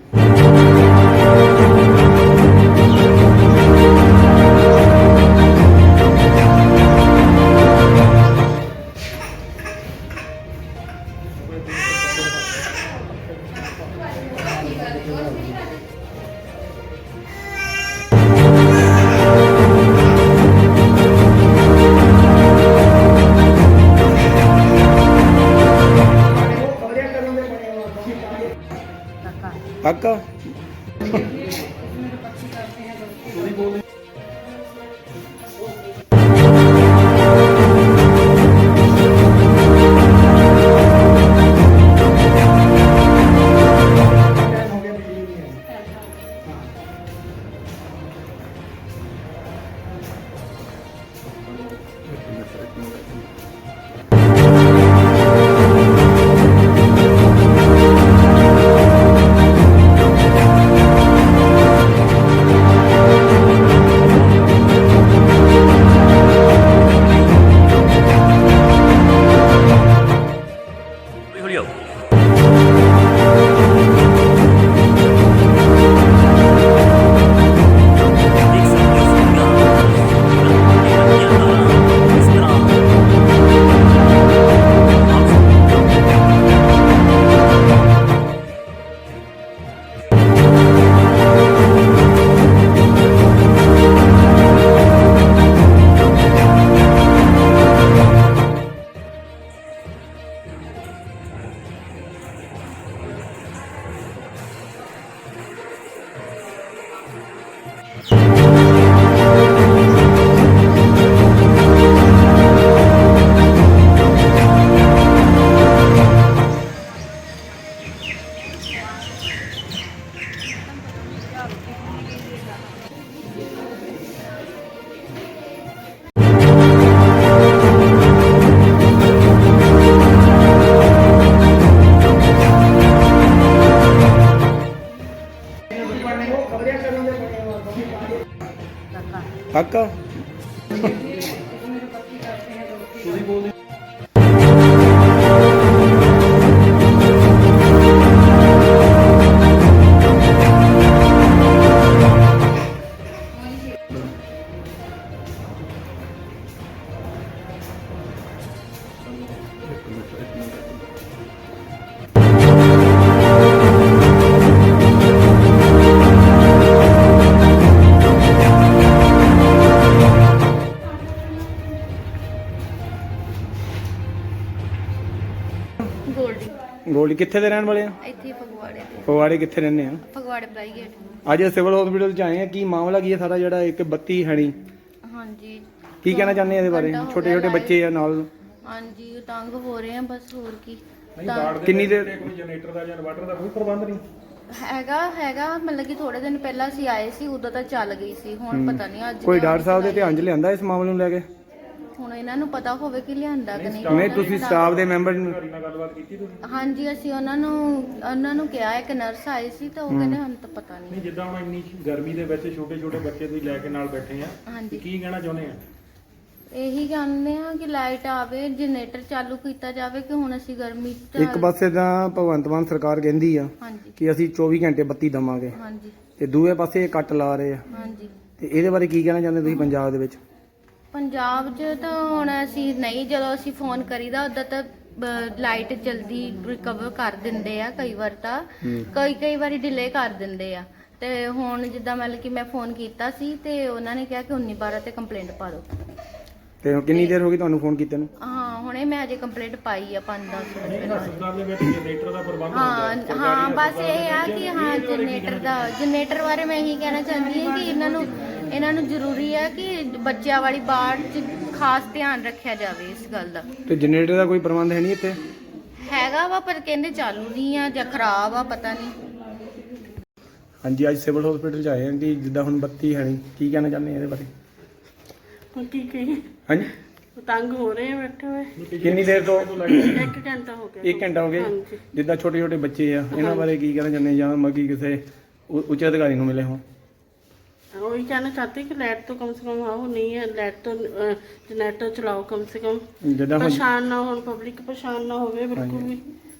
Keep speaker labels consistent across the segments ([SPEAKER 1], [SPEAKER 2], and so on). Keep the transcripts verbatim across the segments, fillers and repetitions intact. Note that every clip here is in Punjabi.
[SPEAKER 1] काका काका
[SPEAKER 2] ਗੋਲਡੀ
[SPEAKER 1] ਗੋਲਡੀ ਕਿੱਥੇ ਦੇ ਰਹਿਣ ਵਾਲੇ ਆ?
[SPEAKER 2] ਇੱਥੇ ਫਗਵਾੜੇ ਤੇ
[SPEAKER 1] ਫਗਵਾੜੇ ਕਿੱਥੇ ਰਹਿੰਦੇ ਆ?
[SPEAKER 2] ਫਗਵਾੜੇ ਪ੍ਰਾਈਵੇਟ।
[SPEAKER 1] ਅੱਜ ਸਿਵਲ ਹਸਪੀਟਲ ਚ ਆਏ ਆ, ਕੀ ਮਾਮਲਾ ਕੀ ਹੈ ਸਾਰਾ ਜਿਹੜਾ ਇੱਕ ਬੱਤੀ ਹੈਣੀ?
[SPEAKER 2] ਹਾਂਜੀ
[SPEAKER 1] ਕੀ ਕਹਿਣਾ ਚਾਹੁੰਦੇ ਆ ਇਹਦੇ ਬਾਰੇ? ਛੋਟੇ ਛੋਟੇ ਬੱਚੇ ਆ ਨਾਲ।
[SPEAKER 2] ਹਾਂਜੀ ਤੰਗ ਹੋ ਰਹੇ ਆ ਬਸ, ਹੋਰ ਕੀ।
[SPEAKER 1] ਕਿੰਨੀ ਦੇਰ
[SPEAKER 3] ਕੋਈ ਜਨਰੇਟਰ ਦਾ ਜਾਂ ਇਨਵਰਟਰ ਦਾ ਕੋਈ ਪ੍ਰਬੰਧ ਨਹੀਂ
[SPEAKER 2] ਹੈਗਾ ਹੈਗਾ ਮਤਲਬ ਕਿ ਥੋੜੇ ਦਿਨ ਪਹਿਲਾਂ ਅਸੀਂ ਆਏ ਸੀ, ਉਦੋਂ ਤਾਂ ਚੱਲ ਗਈ ਸੀ, ਹੁਣ ਪਤਾ ਨਹੀਂ ਅੱਜ
[SPEAKER 1] ਕੋਈ ਡਾਕਟਰ ਸਾਹਿਬ ਦੇ ਧਿਆਨ ਚ ਲਿਆਂਦਾ ਇਸ ਮਾਮਲੇ ਨੂੰ ਲੈ ਕੇ?
[SPEAKER 2] ਹੁਣ ਇਹਨਾਂ ਨੂੰ ਪਤਾ ਹੋਵੇ ਕਿ ਲਿਆਂਦਾ ਕਿ ਨਹੀਂ।
[SPEAKER 1] ਨਹੀਂ ਤੁਸੀਂ ਸਟਾਫ ਦੇ ਮੈਂਬਰ ਨੂੰ?
[SPEAKER 3] ਨਾਲ ਗੱਲਬਾਤ ਕੀਤੀ ਤੁਸੀਂ?
[SPEAKER 2] ਹਾਂਜੀ ਅਸੀਂ ਉਹਨਾਂ ਨੂੰ ਉਹਨਾਂ ਨੂੰ ਕਿਹਾ, ਇੱਕ ਨਰਸ ਆਈ ਸੀ ਤਾਂ ਉਹ ਕਹਿੰਦੇ ਸਾਨੂੰ ਤਾਂ ਪਤਾ ਨਹੀਂ।
[SPEAKER 3] ਨਹੀਂ ਜਿੱਦਾਂ ਹੁਣ ਇੰਨੀ ਗਰਮੀ ਦੇ ਵਿੱਚ ਛੋਟੇ ਛੋਟੇ ਬੱਚੇ ਤੁਸੀਂ ਲੈ ਕੇ ਨਾਲ ਬੈਠੇ ਆ,
[SPEAKER 2] ਹਾਂਜੀ
[SPEAKER 3] ਕੀ ਕਹਿਣਾ ਚਾਹੁੰਦੇ ਆ?
[SPEAKER 2] ਇਹੀ ਕਹਿੰਦੇ ਆ ਕਿ ਲਾਈਟ ਆਵੇ, ਜਨਰੇਟਰ ਚਾਲੂ ਕੀਤਾ ਜਾਵੇ ਕਿ ਹੁਣ ਅਸੀਂ ਗਰਮੀ ਚ।
[SPEAKER 1] ਇੱਕ ਪਾਸੇ ਤਾਂ ਭਗਵੰਤ ਮਾਨ ਸਰਕਾਰ ਕਹਿੰਦੀ ਆ
[SPEAKER 2] ਹਾਂਜੀ
[SPEAKER 1] ਕਿ ਅਸੀਂ ਚੌਵੀ ਘੰਟੇ ਬੱਤੀ ਦਵਾਂਗੇ,
[SPEAKER 2] ਹਾਂਜੀ
[SPEAKER 1] ਤੇ ਦੂਏ ਪਾਸੇ ਇਹ ਕੱਟ ਲਾ ਰਹੇ ਆ,
[SPEAKER 2] ਹਾਂਜੀ।
[SPEAKER 1] ਤੇ ਇਹਦੇ ਬਾਰੇ ਕੀ ਕਹਿਣਾ ਚਾਹੁੰਦੇ ਤੁਸੀਂ ਪੰਜਾਬ ਦੇ ਵਿੱਚ?
[SPEAKER 2] ਪੰਜਾਬ 'ਚ ਤਾਂ ਹੁਣ ਅਸੀਂ ਨਹੀਂ, ਜਦੋਂ ਅਸੀਂ ਫੋਨ ਕਰੀਦਾ ਉਦੋਂ ਤਾਂ ਲਾਈਟ ਜਲਦੀ ਰਿਕਵਰ ਕਰ ਦਿੰਦੇ ਆ, ਕਈ ਵਾਰ ਤਾਂ ਕਈ ਕਈ ਵਾਰੀ ਡਿਲੇ ਕਰ ਦਿੰਦੇ ਆ। ਤੇ ਹੁਣ ਜਿੱਦਾਂ ਮਤਲਬ ਕਿ ਮੈਂ ਫੋਨ ਕੀਤਾ ਸੀ ਤੇ ਉਹਨਾਂ ਨੇ ਕਿਹਾ ਕਿ ਉੱਨੀ ਬਾਰਾਂ ਤੇ ਕੰਪਲੇਂਟ ਪਾ ਦਿਓ।
[SPEAKER 1] ਤੇ ਕਿੰਨੀ ਦੇਰ ਹੋ ਗਈ ਤੁਹਾਨੂੰ ਫੋਨ ਕੀਤੇ ਨੂੰ?
[SPEAKER 2] ਹਾਂ ਹੁਣੇ ਮੈਂ ਅਜੇ ਕੰਪਲੇਂਟ ਪਾਈ ਆ ਪੰਜ ਦਸ ਮਿੰਟ ਪਹਿਲਾਂ।
[SPEAKER 3] ਹਸਪਤਾਲ ਦੇ ਵਿੱਚ ਜਨਰੇਟਰ ਦਾ ਪ੍ਰਬੰਧ
[SPEAKER 2] ਹਾਂ ਹਾਂ ਬਸ ਇਹ ਆ ਕਿ ਹਾਂ ਜਨਰੇਟਰ ਦਾ ਜਨਰੇਟਰ ਬਾਰੇ ਮੈਂ ਇਹੀ ਕਹਿਣਾ ਚਾਹੁੰਦੀ ਹਾਂ ਕਿ ਇਹਨਾਂ ਨੂੰ ਇਹਨਾਂ ਨੂੰ ਜ਼ਰੂਰੀ ਹੈ ਕਿ ਬੱਚਿਆਂ ਵਾਲੀ ਬਾੜ 'ਚ ਖਾਸ ਧਿਆਨ ਰੱਖਿਆ ਜਾਵੇ ਇਸ ਗੱਲ ਦਾ।
[SPEAKER 1] ਤੇ ਜਨਰੇਟਰ ਦਾ ਕੋਈ ਪ੍ਰਬੰਧ ਹੈ ਨਹੀਂ ਇੱਥੇ?
[SPEAKER 2] ਹੈਗਾ ਵਾ ਪਰ ਕਹਿੰਦੇ ਚਾਲੂ ਨਹੀਂ ਆ ਜਾਂ ਖਰਾਬ ਆ, ਪਤਾ ਨਹੀਂ।
[SPEAKER 1] ਹਾਂਜੀ ਅੱਜ ਸਿਵਲ ਹਸਪੀਟਲ ਚ ਆਏ ਆ ਕਿ ਜਿੱਦਾਂ ਹੁਣ ਬੱਤੀ ਹੈ ਨਹੀਂ, ਕੀ ਕਹਿਣਾ ਚਾਹੁੰਦੇ ਆ ਇਹਦੇ ਬਾਰੇ?
[SPEAKER 4] ਹੁਣ ਕੀ ਕਹੀਏ,
[SPEAKER 1] ਹਾਂਜੀ
[SPEAKER 4] ਤੰਗ ਹੋ ਰਹੇ ਆ ਬੈਠੇ ਹੋਏ।
[SPEAKER 1] ਕਿੰਨੀ ਦੇਰ ਤੋਂ?
[SPEAKER 4] ਇੱਕ ਘੰਟਾ ਹੋ ਗਿਆ।
[SPEAKER 1] ਇੱਕ ਘੰਟਾ ਹੋ ਗਿਆ।
[SPEAKER 4] ਹਾਂਜੀ।
[SPEAKER 1] ਜਿੱਦਾਂ ਛੋਟੇ ਛੋਟੇ ਬੱਚੇ ਆ ਇਹਨਾਂ ਬਾਰੇ ਕੀ ਕਹਿਣਾ ਚਾਹੁੰਦੇ ਜਾਂ ਮੱਕੀ ਕਿਸੇ ਉ- ਉੱਚ ਅਧਿਕਾਰੀ ਨੂੰ ਮਿਲੇ ਹੋ?
[SPEAKER 4] वही कहना चाहते हैं कि लाइट तो कम से कम आओ, नहीं है लाइट तो जनरेटर चलाओ कम से कम,
[SPEAKER 1] ਜਿੱਦਾਂ ਹੁਣ
[SPEAKER 4] परेशान ना हो, पब्लिक परेशान ना हो बिल्कुल भी।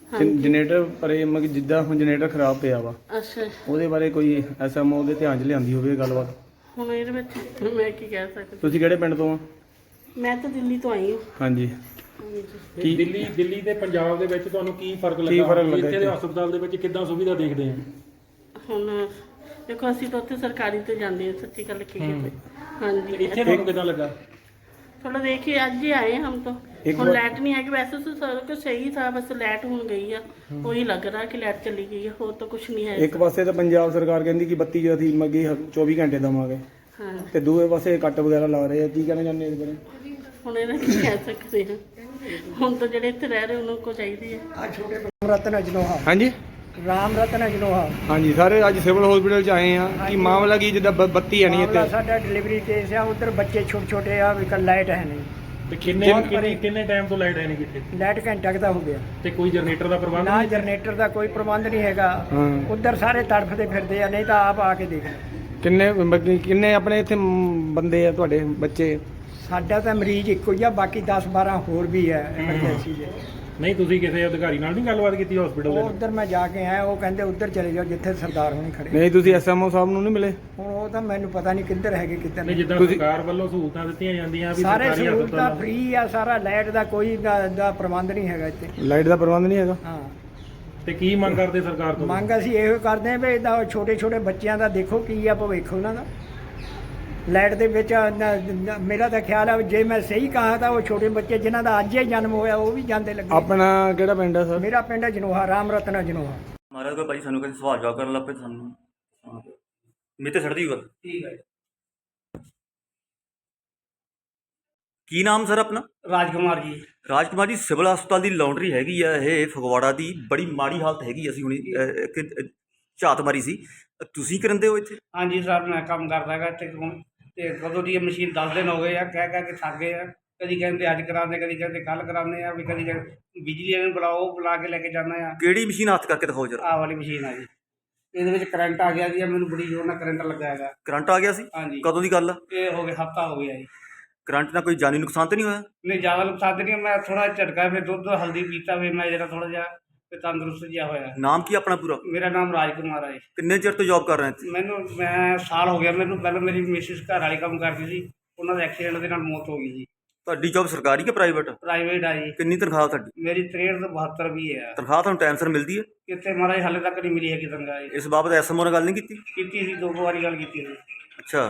[SPEAKER 4] ਹਾਂਜੀ।
[SPEAKER 1] ਜਨਰੇਟਰ ਪਰੇ ਮਤਲਬ ਜਿੱਦਾਂ ਹੁਣ ਜਨਰੇਟਰ ਖਰਾਬ ਪਿਆ ਵਾ,
[SPEAKER 4] ਅੱਛਾ,
[SPEAKER 1] ਉਹਦੇ ਬਾਰੇ ਕੋਈ ਐਸਐਮਓ ਦੇ ਧਿਆਨ 'ਚ ਲਿਆਂਦੀ ਹੋਵੇ ਗੱਲਬਾਤ?
[SPEAKER 4] ਹੁਣ ਇਹਦੇ ਵਿੱਚ ਮੈਂ ਕੀ ਕਹਿ ਸਕਦੀ।
[SPEAKER 1] ਤੁਸੀਂ ਕਿਹੜੇ ਪਿੰਡ ਤੋਂ ਆ?
[SPEAKER 4] ਮੈਂ ਤਾਂ ਦਿੱਲੀ ਤੋਂ ਆਈ ਹਾਂ।
[SPEAKER 1] ਹਾਂਜੀ।
[SPEAKER 4] ਹਾਂਜੀ।
[SPEAKER 3] ਤੇ
[SPEAKER 1] ਕੀ-
[SPEAKER 3] ਦਿੱਲੀ ਦਿੱਲੀ ਤੇ ਪੰਜਾਬ ਦੇ ਵਿੱਚ ਤੁਹਾਨੂੰ ਕੀ ਫਰਕ
[SPEAKER 1] ਕੀ
[SPEAKER 3] ਲੱਗਾ
[SPEAKER 1] ਫਰਕ
[SPEAKER 3] ਕਿ
[SPEAKER 1] ਲੱਗਾ
[SPEAKER 3] ਇੱਥੇ ਦੇ
[SPEAKER 1] ਇੱਥੇ?
[SPEAKER 3] ਹਸਪਤਾਲ ਦੇ ਵਿੱਚ ਕਿੱਦਾਂ ਸੁਵਿਧਾ ਦੇਖਦੇ ਆ?
[SPEAKER 4] ਹੁਣ ਦੇਖੋ ਅਸੀਂ ਤਾਂ ਉੱਥੇ ਸਰਕਾਰੀ ਤੇ ਜਾਂਦੇ ਹਾਂ, ਸੱਚੀ ਗੱਲ ਕੀ
[SPEAKER 3] ਹੂੰ।
[SPEAKER 4] ਹਾਂਜੀ।
[SPEAKER 3] ਇੱਥੇ ਤੁਹਾਨੂੰ ਕਿੱਦਾਂ ਲੱਗਾ?
[SPEAKER 4] थोड़ा देखिए आज ही आए हम तो।
[SPEAKER 1] एक
[SPEAKER 4] और
[SPEAKER 1] बार-
[SPEAKER 4] लाइट नहीं है कि वैसे तो सारा कुछ सही था, बस लाइट हो गई है, वही लग रहा है कि लाइट चली गई है, और तो कुछ नहीं है।
[SPEAKER 1] ਇੱਕ ਪਾਸੇ ਤਾਂ ਪੰਜਾਬ ਸਰਕਾਰ ਕਹਿੰਦੀ ਕਿ ਬੱਤੀ ਜੋ ਅਸੀਂ ਮੱਗੀ ਚੌਵੀ ਘੰਟੇ ਦੇਵਾਂਗੇ,
[SPEAKER 4] हाँ,
[SPEAKER 1] ਤੇ ਦੂਏ ਪਾਸੇ ਕੱਟ ਵਗੈਰਾ ਲਾ ਰਹੇ ਆ। ਕੀ ਕਹਿਣਾ ਚਾਹੁੰਦੇ ਇਸ ਬਾਰੇ?
[SPEAKER 4] ਹੁਣ ਇਹਨਾਂ ਕੀ ਕਹਿ ਸਕਦੇ ਹਾਂ। ਹੁਣ ਤਾਂ ਜਿਹੜੇ ਇੱਥੇ ਰਹਿ ਰਹੇ ਉਹਨਾਂ ਕੋ ਚਾਹੀਦੀ ਹੈ।
[SPEAKER 5] ਆ ਛੋਟੇ ਰਤਨ ਅਜਨੋਹਾ,
[SPEAKER 1] ਹਾਂਜੀ
[SPEAKER 5] ਰਾਮ ਰਤਨ ਅਜਨੋਹਾ।
[SPEAKER 1] ਹਾਂਜੀ ਸਾਰੇ ਅੱਜ ਸਿਵਲ ਹਸਪੀਟਲ 'ਚ ਆਏ ਆ। ਕੀ ਮਾਮਲਾ ਕੀ ਜਿੱਦਾਂ ਬ- ਬੱਤੀ ਹੈ ਨਹੀਂ
[SPEAKER 5] ਮਾਮਲਾ
[SPEAKER 1] ਇੱਥੇ?
[SPEAKER 5] ਸਾਡਾ ਡਿਲੀਵਰੀ ਕੇਸ ਆ, ਉਧਰ ਬੱਚੇ ਛੋਟੇ ਛੋਟੇ ਆ, ਵੀ ਲਾਈਟ ਹੈ ਨਹੀਂ।
[SPEAKER 3] ਤੇ ਕਿੰਨੇ ਕਿੰਨੇ ਕਿੰਨੇ ਟਾਈਮ ਤੋਂ ਲਾਈਟ ਹੈ ਨਹੀਂ ਕਿਤੇ?
[SPEAKER 5] ਲਾਈਟ ਘੰਟਾ ਕੁ ਦਾ ਹੋ ਗਿਆ,
[SPEAKER 3] ਤੇ ਕੋਈ ਜਨਰੇਟਰ ਦਾ ਪ੍ਰਬੰਧ
[SPEAKER 5] ਨਾ
[SPEAKER 3] ਨਹੀਂ?
[SPEAKER 5] ਜਨਰੇਟਰ ਦਾ ਕੋਈ ਪ੍ਰਬੰਧ ਨਹੀਂ ਹੈਗਾ।
[SPEAKER 1] ਹਾਂ।
[SPEAKER 5] ਉਧਰ ਸਾਰੇ ਤੜਫਦੇ ਫਿਰਦੇ ਆ, ਨਹੀਂ ਤਾਂ ਆਪ ਆ ਕੇ ਦੇਖ ਲਓ।
[SPEAKER 1] ਕਿੰਨੇ ਬ- ਕਿੰਨੇ ਆਪਣੇ ਇੱਥੇ ਮ, ਬੰਦੇ ਆ ਤੁਹਾਡੇ ਬੱਚੇ?
[SPEAKER 5] ਸਾਡਾ ਤਾਂ ਮਰੀਜ਼ ਇੱਕੋ ਹੀ ਆ, ਬਾਕੀ ਦਸ ਬਾਰਾਂ ਹੋਰ ਵੀ ਹੈ ਐਮਰਜੈਂਸੀ ਦੇ।
[SPEAKER 3] ਨਹੀਂ ਤੁਸੀਂ ਕਿਸੇ ਅਧਿਕਾਰੀ ਨਾਲ ਨਹੀਂ ਗੱਲਬਾਤ ਕੀਤੀ ਹਸਪੀਟਲ ਦੇ
[SPEAKER 5] ਉਹ
[SPEAKER 3] ਨਾਲ?
[SPEAKER 5] ਉਧਰ ਮੈਂ ਜਾ ਕੇ ਆਇਆ, ਉਹ ਕਹਿੰਦੇ ਉਧਰ ਚਲੇ ਜਾਓ ਜਿੱਥੇ ਸਰਦਾਰ ਹੋਣੀ ਖੜੇ।
[SPEAKER 1] ਨਹੀਂ ਤੁਸੀਂ ਐਸਐਮਓ ਸਾਹਿਬ ਨੂੰ ਨਹੀਂ ਮਿਲੇ?
[SPEAKER 5] ਹੁਣ ਉਹ ਤਾਂ ਮੈਨੂੰ ਪਤਾ ਨਹੀਂ ਕਿੱਧਰ ਹੈਗੇ ਕਿੱਧਰ
[SPEAKER 3] ਨਹੀਂ
[SPEAKER 5] ਨਹੀਂ।
[SPEAKER 3] ਜਿੱਦਾਂ
[SPEAKER 1] ਤੁਸੀਂ-
[SPEAKER 3] ਸਰਕਾਰ ਵੱਲੋਂ ਸਹੂਲਤਾਂ ਦਿੱਤੀਆਂ ਜਾਂਦੀਆਂ ਵੀ
[SPEAKER 5] ਸਾਰੇ
[SPEAKER 3] ਸਰਕਾਰੀ
[SPEAKER 5] ਸਹੂਲਤਾਂ
[SPEAKER 3] ਹਸਪਤਾਲ
[SPEAKER 5] ਫ੍ਰੀ ਆ, ਸਾਰਾ ਲਾਈਟ ਦਾ ਕੋਈ ਦਾ ਦਾ ਪ੍ਰਬੰਧ ਨਹੀਂ ਹੈਗਾ ਇੱਥੇ।
[SPEAKER 1] ਲਾਈਟ ਦਾ ਪ੍ਰਬੰਧ ਨਹੀਂ ਹੈਗਾ?
[SPEAKER 5] ਹਾਂ,
[SPEAKER 3] ਤੇ ਕੀ ਮੰਗ ਕਰਦੇ ਸਰਕਾਰ ਤੋਂ?
[SPEAKER 5] ਮੰਗ ਅਸੀਂ ਇਹੋ ਕਰਦੇ ਹਾਂ ਵੀ ਇਹਦਾ ਛੋਟੇ ਛੋਟੇ ਬੱਚਿਆਂ ਦਾ ਦੇਖੋ ਕੀ ਆ ਭਵਿੱਖ ਉਹਨਾਂ ਦਾ ਲਾਈਟ ਦੇ ਵਿੱਚ। ਨ- ਨ- ਮੇਰਾ ਤਾਂ ਖਿਆਲ ਹੈ ਜੇ ਮੈਂ ਸਹੀ ਕਹਾ ਤਾਂ ਉਹ ਛੋਟੇ ਬੱਚੇ ਜਿਨ੍ਹਾਂ ਦਾ ਅੱਜ ਹੀ ਜਨਮ ਹੋਇਆ ਉਹ ਵੀ ਜਾਂਦੇ ਲੱਗੇ।
[SPEAKER 1] ਆਪਣਾ ਕਿਹੜਾ ਪਿੰਡ ਆ ਸਰ?
[SPEAKER 5] ਮੇਰਾ ਪਿੰਡ ਹੈ ਜਨੋਹਾ, ਰਾਮ ਰਤਨ ਜਨੋਹਾ।
[SPEAKER 6] ਮਹਾਰਾਜ ਕੋਈ ਭਾਈ ਸਾਨੂੰ ਕਹਿੰਦੇ ਸਵਾਲ ਜਵਾਬ ਕਰਨ ਲੱਗ ਪਏ ਸਾਨੂੰ ਮੇਤੇ ਛੱਡਦੀ ਗੱਲ।
[SPEAKER 5] ਠੀਕ ਹੈ।
[SPEAKER 6] ਕੀ ਨਾਮ ਸਰ ਆਪਣਾ?
[SPEAKER 5] ਰਾਜਕੁਮਾਰ ਜੀ।
[SPEAKER 6] ਰਾਜਕੁਮਾਰ ਜੀ, ਸਿਵਲ ਹਸਪਤਾਲ ਦੀ ਲਾਉਂਡਰੀ ਹੈਗੀ ਆ ਇਹ ਫਗਵਾੜਾ ਦੀ, ਬੜੀ ਮਾੜੀ ਹਾਲਤ ਹੈਗੀ। ਅਸੀਂ ਹੁਣੀ ਅਹ, ਇੱਕ ਅਹ, ਝਾਤ ਮਾਰੀ ਸੀ। ਤੁਸੀਂ ਕਰੰਦੇ ਹੋ ਇੱਥੇ?
[SPEAKER 7] ਹਾਂਜੀ ਸਰ, ਮੈਂ ਕੰਮ ਕਰਦਾ ਹੈਗਾ ਇੱਥੇ ਹੁਣ, ਤੇ ਕਦੋਂ ਦੀ ਇਹ ਮਸ਼ੀਨ ਦਸ ਦਿਨ ਹੋ ਗਏ ਆ, ਕਹਿ ਕਹਿ ਕੇ ਥੱਕ ਗਏ ਆ। ਕਦੀ ਕਹਿੰਦੇ ਅੱਜ ਕਰਾਉਂਦੇ, ਕਦੀ ਕਹਿੰਦੇ ਕੱਲ ਕਰਾਉਂਦੇ ਆ, ਵੀ ਕਦੀ ਕਹਿੰਦੇ ਬਿਜਲੀ ਵਾਲੇ ਨੂੰ ਬੁਲਾਓ, ਉਹ ਬੁਲਾ ਕੇ ਲੈ ਕੇ ਜਾਣਾ ਆ।
[SPEAKER 6] ਕਿਹੜੀ ਮਸ਼ੀਨ ਹੱਥ ਕਰਕੇ ਦਿਖਾਓ ਜਰਾ।
[SPEAKER 7] ਆਹ ਵਾਲੀ ਮਸ਼ੀਨ ਆ ਜੀ, ਇਹਦੇ ਵਿੱਚ ਕਰੰਟ ਆ ਗਿਆ ਜੀ, ਮੈਨੂੰ ਬੜੀ ਜ਼ੋਰ ਨਾਲ ਕਰੰਟ ਲੱਗਾ ਹੈਗਾ।
[SPEAKER 6] ਕਰੰਟ ਆ ਗਿਆ ਸੀ?
[SPEAKER 7] ਹਾਂਜੀ,
[SPEAKER 6] ਕਦੋਂ ਦੀ ਗੱਲ ਆ?
[SPEAKER 7] ਇਹ ਹੋ ਗਿਆ ਹਫਤਾ ਹੋ ਗਿਆ ਜੀ।
[SPEAKER 6] ਕਰੰਟ ਨਾਲ ਕੋਈ ਜਾਨੀ ਨੁਕਸਾਨ ਤਾਂ ਨਹੀਂ ਹੋਇਆ?
[SPEAKER 7] ਨਹੀਂ ਜ਼ਿਆਦਾ ਨੁਕਸਾਨ ਨਹੀਂ, ਮੈਂ ਥੋੜਾ ਝਟਕਾ, ਫਿਰ ਦੁੱਧ ਹਲਦੀ ਪੀਤਾ, ਫਿਰ ਮੈਂ ਜਿਹੜਾ ਥੋੜਾ ਜਿਹਾ ਫਿਰ ਤੰਦਰੁਸਤ ਜਿਹਾ ਹੋਇਆ।
[SPEAKER 6] ਨਾਮ ਕੀ ਆਪਣਾ ਪੂਰਾ?
[SPEAKER 7] ਮੇਰਾ ਨਾਮ ਰਾਜਕੁਮਾਰ ਹੈ ਜੀ।
[SPEAKER 6] ਕਿੰਨੇ ਚਿਰ ਤੋਂ ਜੌਬ ਕਰ ਰਹੇ ਇੱਥੇ?
[SPEAKER 7] ਮੈਨੂੰ ਮੈਂ ਸਾਲ ਹੋ ਗਿਆ ਮੈਨੂੰ। ਪਹਿਲਾਂ ਮੇਰੀ ਮਿਸਿਸ ਘਰ ਵਾਲੀ ਕੰਮ ਕਰਦੀ ਸੀ, ਉਹਨਾਂ ਦਾ ਐਕਸੀਡੈਂਟ ਦੇ ਨਾਲ ਮੌਤ ਹੋ ਗਈ ਜੀ।
[SPEAKER 6] ਤੁਹਾਡੀ ਜੌਬ ਸਰਕਾਰੀ ਕਿ ਪ੍ਰਾਈਵੇਟ?
[SPEAKER 7] ਪ੍ਰਾਈਵੇਟ ਆ ਜੀ।
[SPEAKER 6] ਕਿੰਨੀ ਤਨਖਾਹ ਤੁਹਾਡੀ?
[SPEAKER 7] ਮੇਰੀ ਤਰੇਹਠ ਤੋਂ ਬਹੱਤਰ ਵੀ ਹੈ।
[SPEAKER 6] ਤਨਖਾਹ ਤੁਹਾਨੂੰ ਟਾਈਮ ਸਿਰ ਮਿਲਦੀ ਹੈ?
[SPEAKER 7] ਕਿਤੇ ਮਹਾਰਾਜ ਹਾਲੇ ਤੱਕ ਨਹੀਂ ਮਿਲੀ ਹੈਗੀ ਤਨਖਾਹ ਜੀ।
[SPEAKER 6] ਇਸ ਬਾਬਤ ਐਸਐਮਓ ਨਾਲ ਗੱਲ ਨਹੀਂ ਕੀਤੀ?
[SPEAKER 7] ਕੀਤੀ ਸੀ, ਦੋ ਕੁ ਵਾਰੀ ਗੱਲ ਕੀਤੀ ਸੀ।
[SPEAKER 6] ਅੱਛਾ,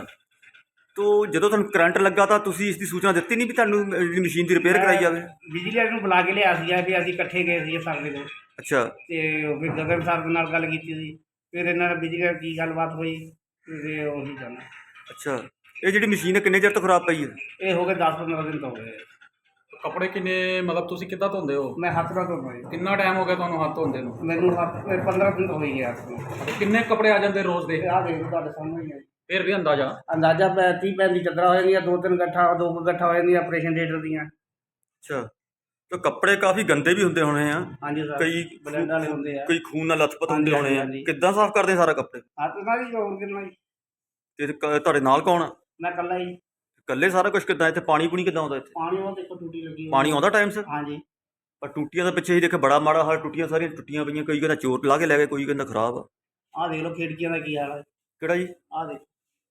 [SPEAKER 6] ਤੋ ਜਦੋਂ ਤੁਹਾਨੂੰ ਕਰੰਟ ਲੱਗਾ ਤਾਂ ਤੁਸੀਂ ਇਸ ਦੀ ਸੂਚਨਾ ਦਿੱਤੀ ਨਹੀਂ ਵੀ ਤੁਹਾਨੂੰ ਜਿਹੜੀ ਮਸ਼ੀਨ ਦੀ ਰਿਪੇਅਰ ਕਰਾਈ ਜਾਵੇ?
[SPEAKER 7] ਬਿਜਲੀ ਵਾਲੇ ਨੂੰ ਬੁਲਾ ਕੇ ਲਿਆ ਸੀ ਵੀ ਅਸੀਂ ਇਕੱਠੇ ਗਏ ਸੀ ਸਰ ਦੇ ਕੋਲ,
[SPEAKER 6] ਅੱਛਾ,
[SPEAKER 7] ਤੇ ਉਹ ਫਿਰ ਗਗਨ ਸਰ ਦੇ ਨਾਲ ਗੱਲ ਕੀਤੀ ਸੀ। ਫਿਰ ਇਹਨਾਂ ਨਾਲ ਬਿਜਲੀ ਨਾਲ ਕੀ ਗੱਲਬਾਤ ਹੋਈ, ਤੇ ਉਹੀ ਜਾਣਾ।
[SPEAKER 6] ਅੱਛਾ। ਇਹ ਜਿਹੜੀ ਮਸ਼ੀਨ ਹੈ ਕਿੰਨੇ ਚਿਰ ਤੋਂ ਖਰਾਬ ਪਈ ਹੈ?
[SPEAKER 7] ਇਹ ਹੋ ਗਏ ਦਸ ਪੰਦਰਾਂ ਦਿਨ ਤੋਂ ਹੋ ਗਏ।
[SPEAKER 3] ਕੱਪੜੇ ਕਿੰਨੇ ਮਤਲਬ ਤੁਸੀਂ ਕਿੱਦਾਂ ਧੋਂਦੇ ਹੋ?
[SPEAKER 7] ਮੈਂ ਹੱਥ ਨਾਲ ਧੋਂਦਾ ਜੀ।
[SPEAKER 3] ਕਿੰਨਾ ਟਾਈਮ ਹੋ ਗਿਆ ਤੁਹਾਨੂੰ ਹੱਥ ਧੋਂਦੇ ਨੂੰ?
[SPEAKER 7] ਮੈਨੂੰ ਹੱਥ ਪੰਦਰਾਂ ਦਿਨ ਹੋ ਗਏ ਹੱਥ ਨੂੰ।
[SPEAKER 3] ਕਿੰਨੇ ਕੱਪੜੇ ਆ ਜਾਂਦੇ ਰੋਜ਼ ਦੇ?
[SPEAKER 7] ਆਹ ਦੇਖ ਤੁਹਾਡੇ ਸਾਹਮਣੇ ਹੀ ਹੈ।
[SPEAKER 3] ਫਿਰ ਵੀ ਅੰਦਾਜ਼ਾ?
[SPEAKER 7] ਅੰਦਾਜ਼ਾ ਪੈ ਤੀਹ ਪੈਂਤੀ ਚੱਦਰਾਂ ਹੋ ਜਾਂਦੀਆਂ, ਦੋ ਤਿੰਨ ਗੱਠਾ ਦੋ ਕੁ ਗੱਠਾ ਹੋ ਜਾਂਦੀਆਂ ਆਪਰੇਸ਼ਨ ਥੀਏਟਰ ਦੀਆਂ।
[SPEAKER 6] ਅੱਛਾ, ਤਾਂ ਕੱਪੜੇ ਕਾਫੀ ਗੰਦੇ ਵੀ ਹੁੰਦੇ ਹੋਣੇ ਆ?
[SPEAKER 7] ਹਾਂਜੀ ਸਰ,
[SPEAKER 6] ਕਈ
[SPEAKER 7] ਬਲੈਂਡ ਵਾਲੇ ਹੁੰਦੇ ਆ।
[SPEAKER 6] ਕਈ ਖੂਨ ਨਾਲ ਲੱਥਪੱਥ ਹੁੰਦੇ
[SPEAKER 7] ਹਾਂਜੀ,
[SPEAKER 6] ਹੋਣੇ ਆ।
[SPEAKER 7] ਹਾਂਜੀ।
[SPEAKER 6] ਕਿੱਦਾਂ ਸਾਫ਼ ਕਰਦੇ ਆ ਸਾਰਾ ਕੱਪੜੇ?
[SPEAKER 7] ਹੱਥ ਨਾਲ ਹੀ ਹੋਰ ਕਿੰਨਾ ਜੀ।
[SPEAKER 6] ਤੇ ਕ- ਤੁਹਾਡੇ ਨਾਲ ਕੌਣ ਆ?
[SPEAKER 7] ਮੈਂ ਇਕੱਲਾ ਹੀ।
[SPEAKER 6] ਇਕੱਲੇ ਸਾਰਾ ਕੁਝ ਕਿੱਦਾਂ? ਇੱਥੇ ਪਾਣੀ ਪੂਣੀ ਕਿੱਦਾਂ ਆਉਂਦਾ ਇੱਥੇ?
[SPEAKER 7] ਪਾਣੀ ਉਹ ਦੇਖੋ ਟੂਟੀ ਲੱਗੀ ਹੋਈ
[SPEAKER 6] ਪਾਣੀ ਆਉਂਦਾ ਟਾਈਮ ਸਿਰ?
[SPEAKER 7] ਹਾਂਜੀ।
[SPEAKER 6] ਪਰ ਟੂਟੀਆਂ ਦੇ ਪਿੱਛੇ ਹੀ ਦੇਖੇ ਬੜਾ ਮਾੜਾ ਹਾਲ, ਟੁੱਟੀਆਂ ਸਾਰੀਆਂ ਟੁੱਟੀਆਂ ਪਈਆਂ। ਕਈ ਕਹਿੰਦਾ ਚੋਰ ਲਾ ਕੇ ਲੈ ਗਏ, ਕੋਈ ਕਹਿੰਦਾ ਖਰਾਬ ਆ।
[SPEAKER 7] ਆਹ ਦੇਖ ਲਓ ਖਿੜਕੀਆਂ ਦਾ ਕੀ ਹਾਲ ਹੈ।
[SPEAKER 6] ਕਿਹੜਾ ਜੀ?
[SPEAKER 7] ਆਹ ਦੇਖ,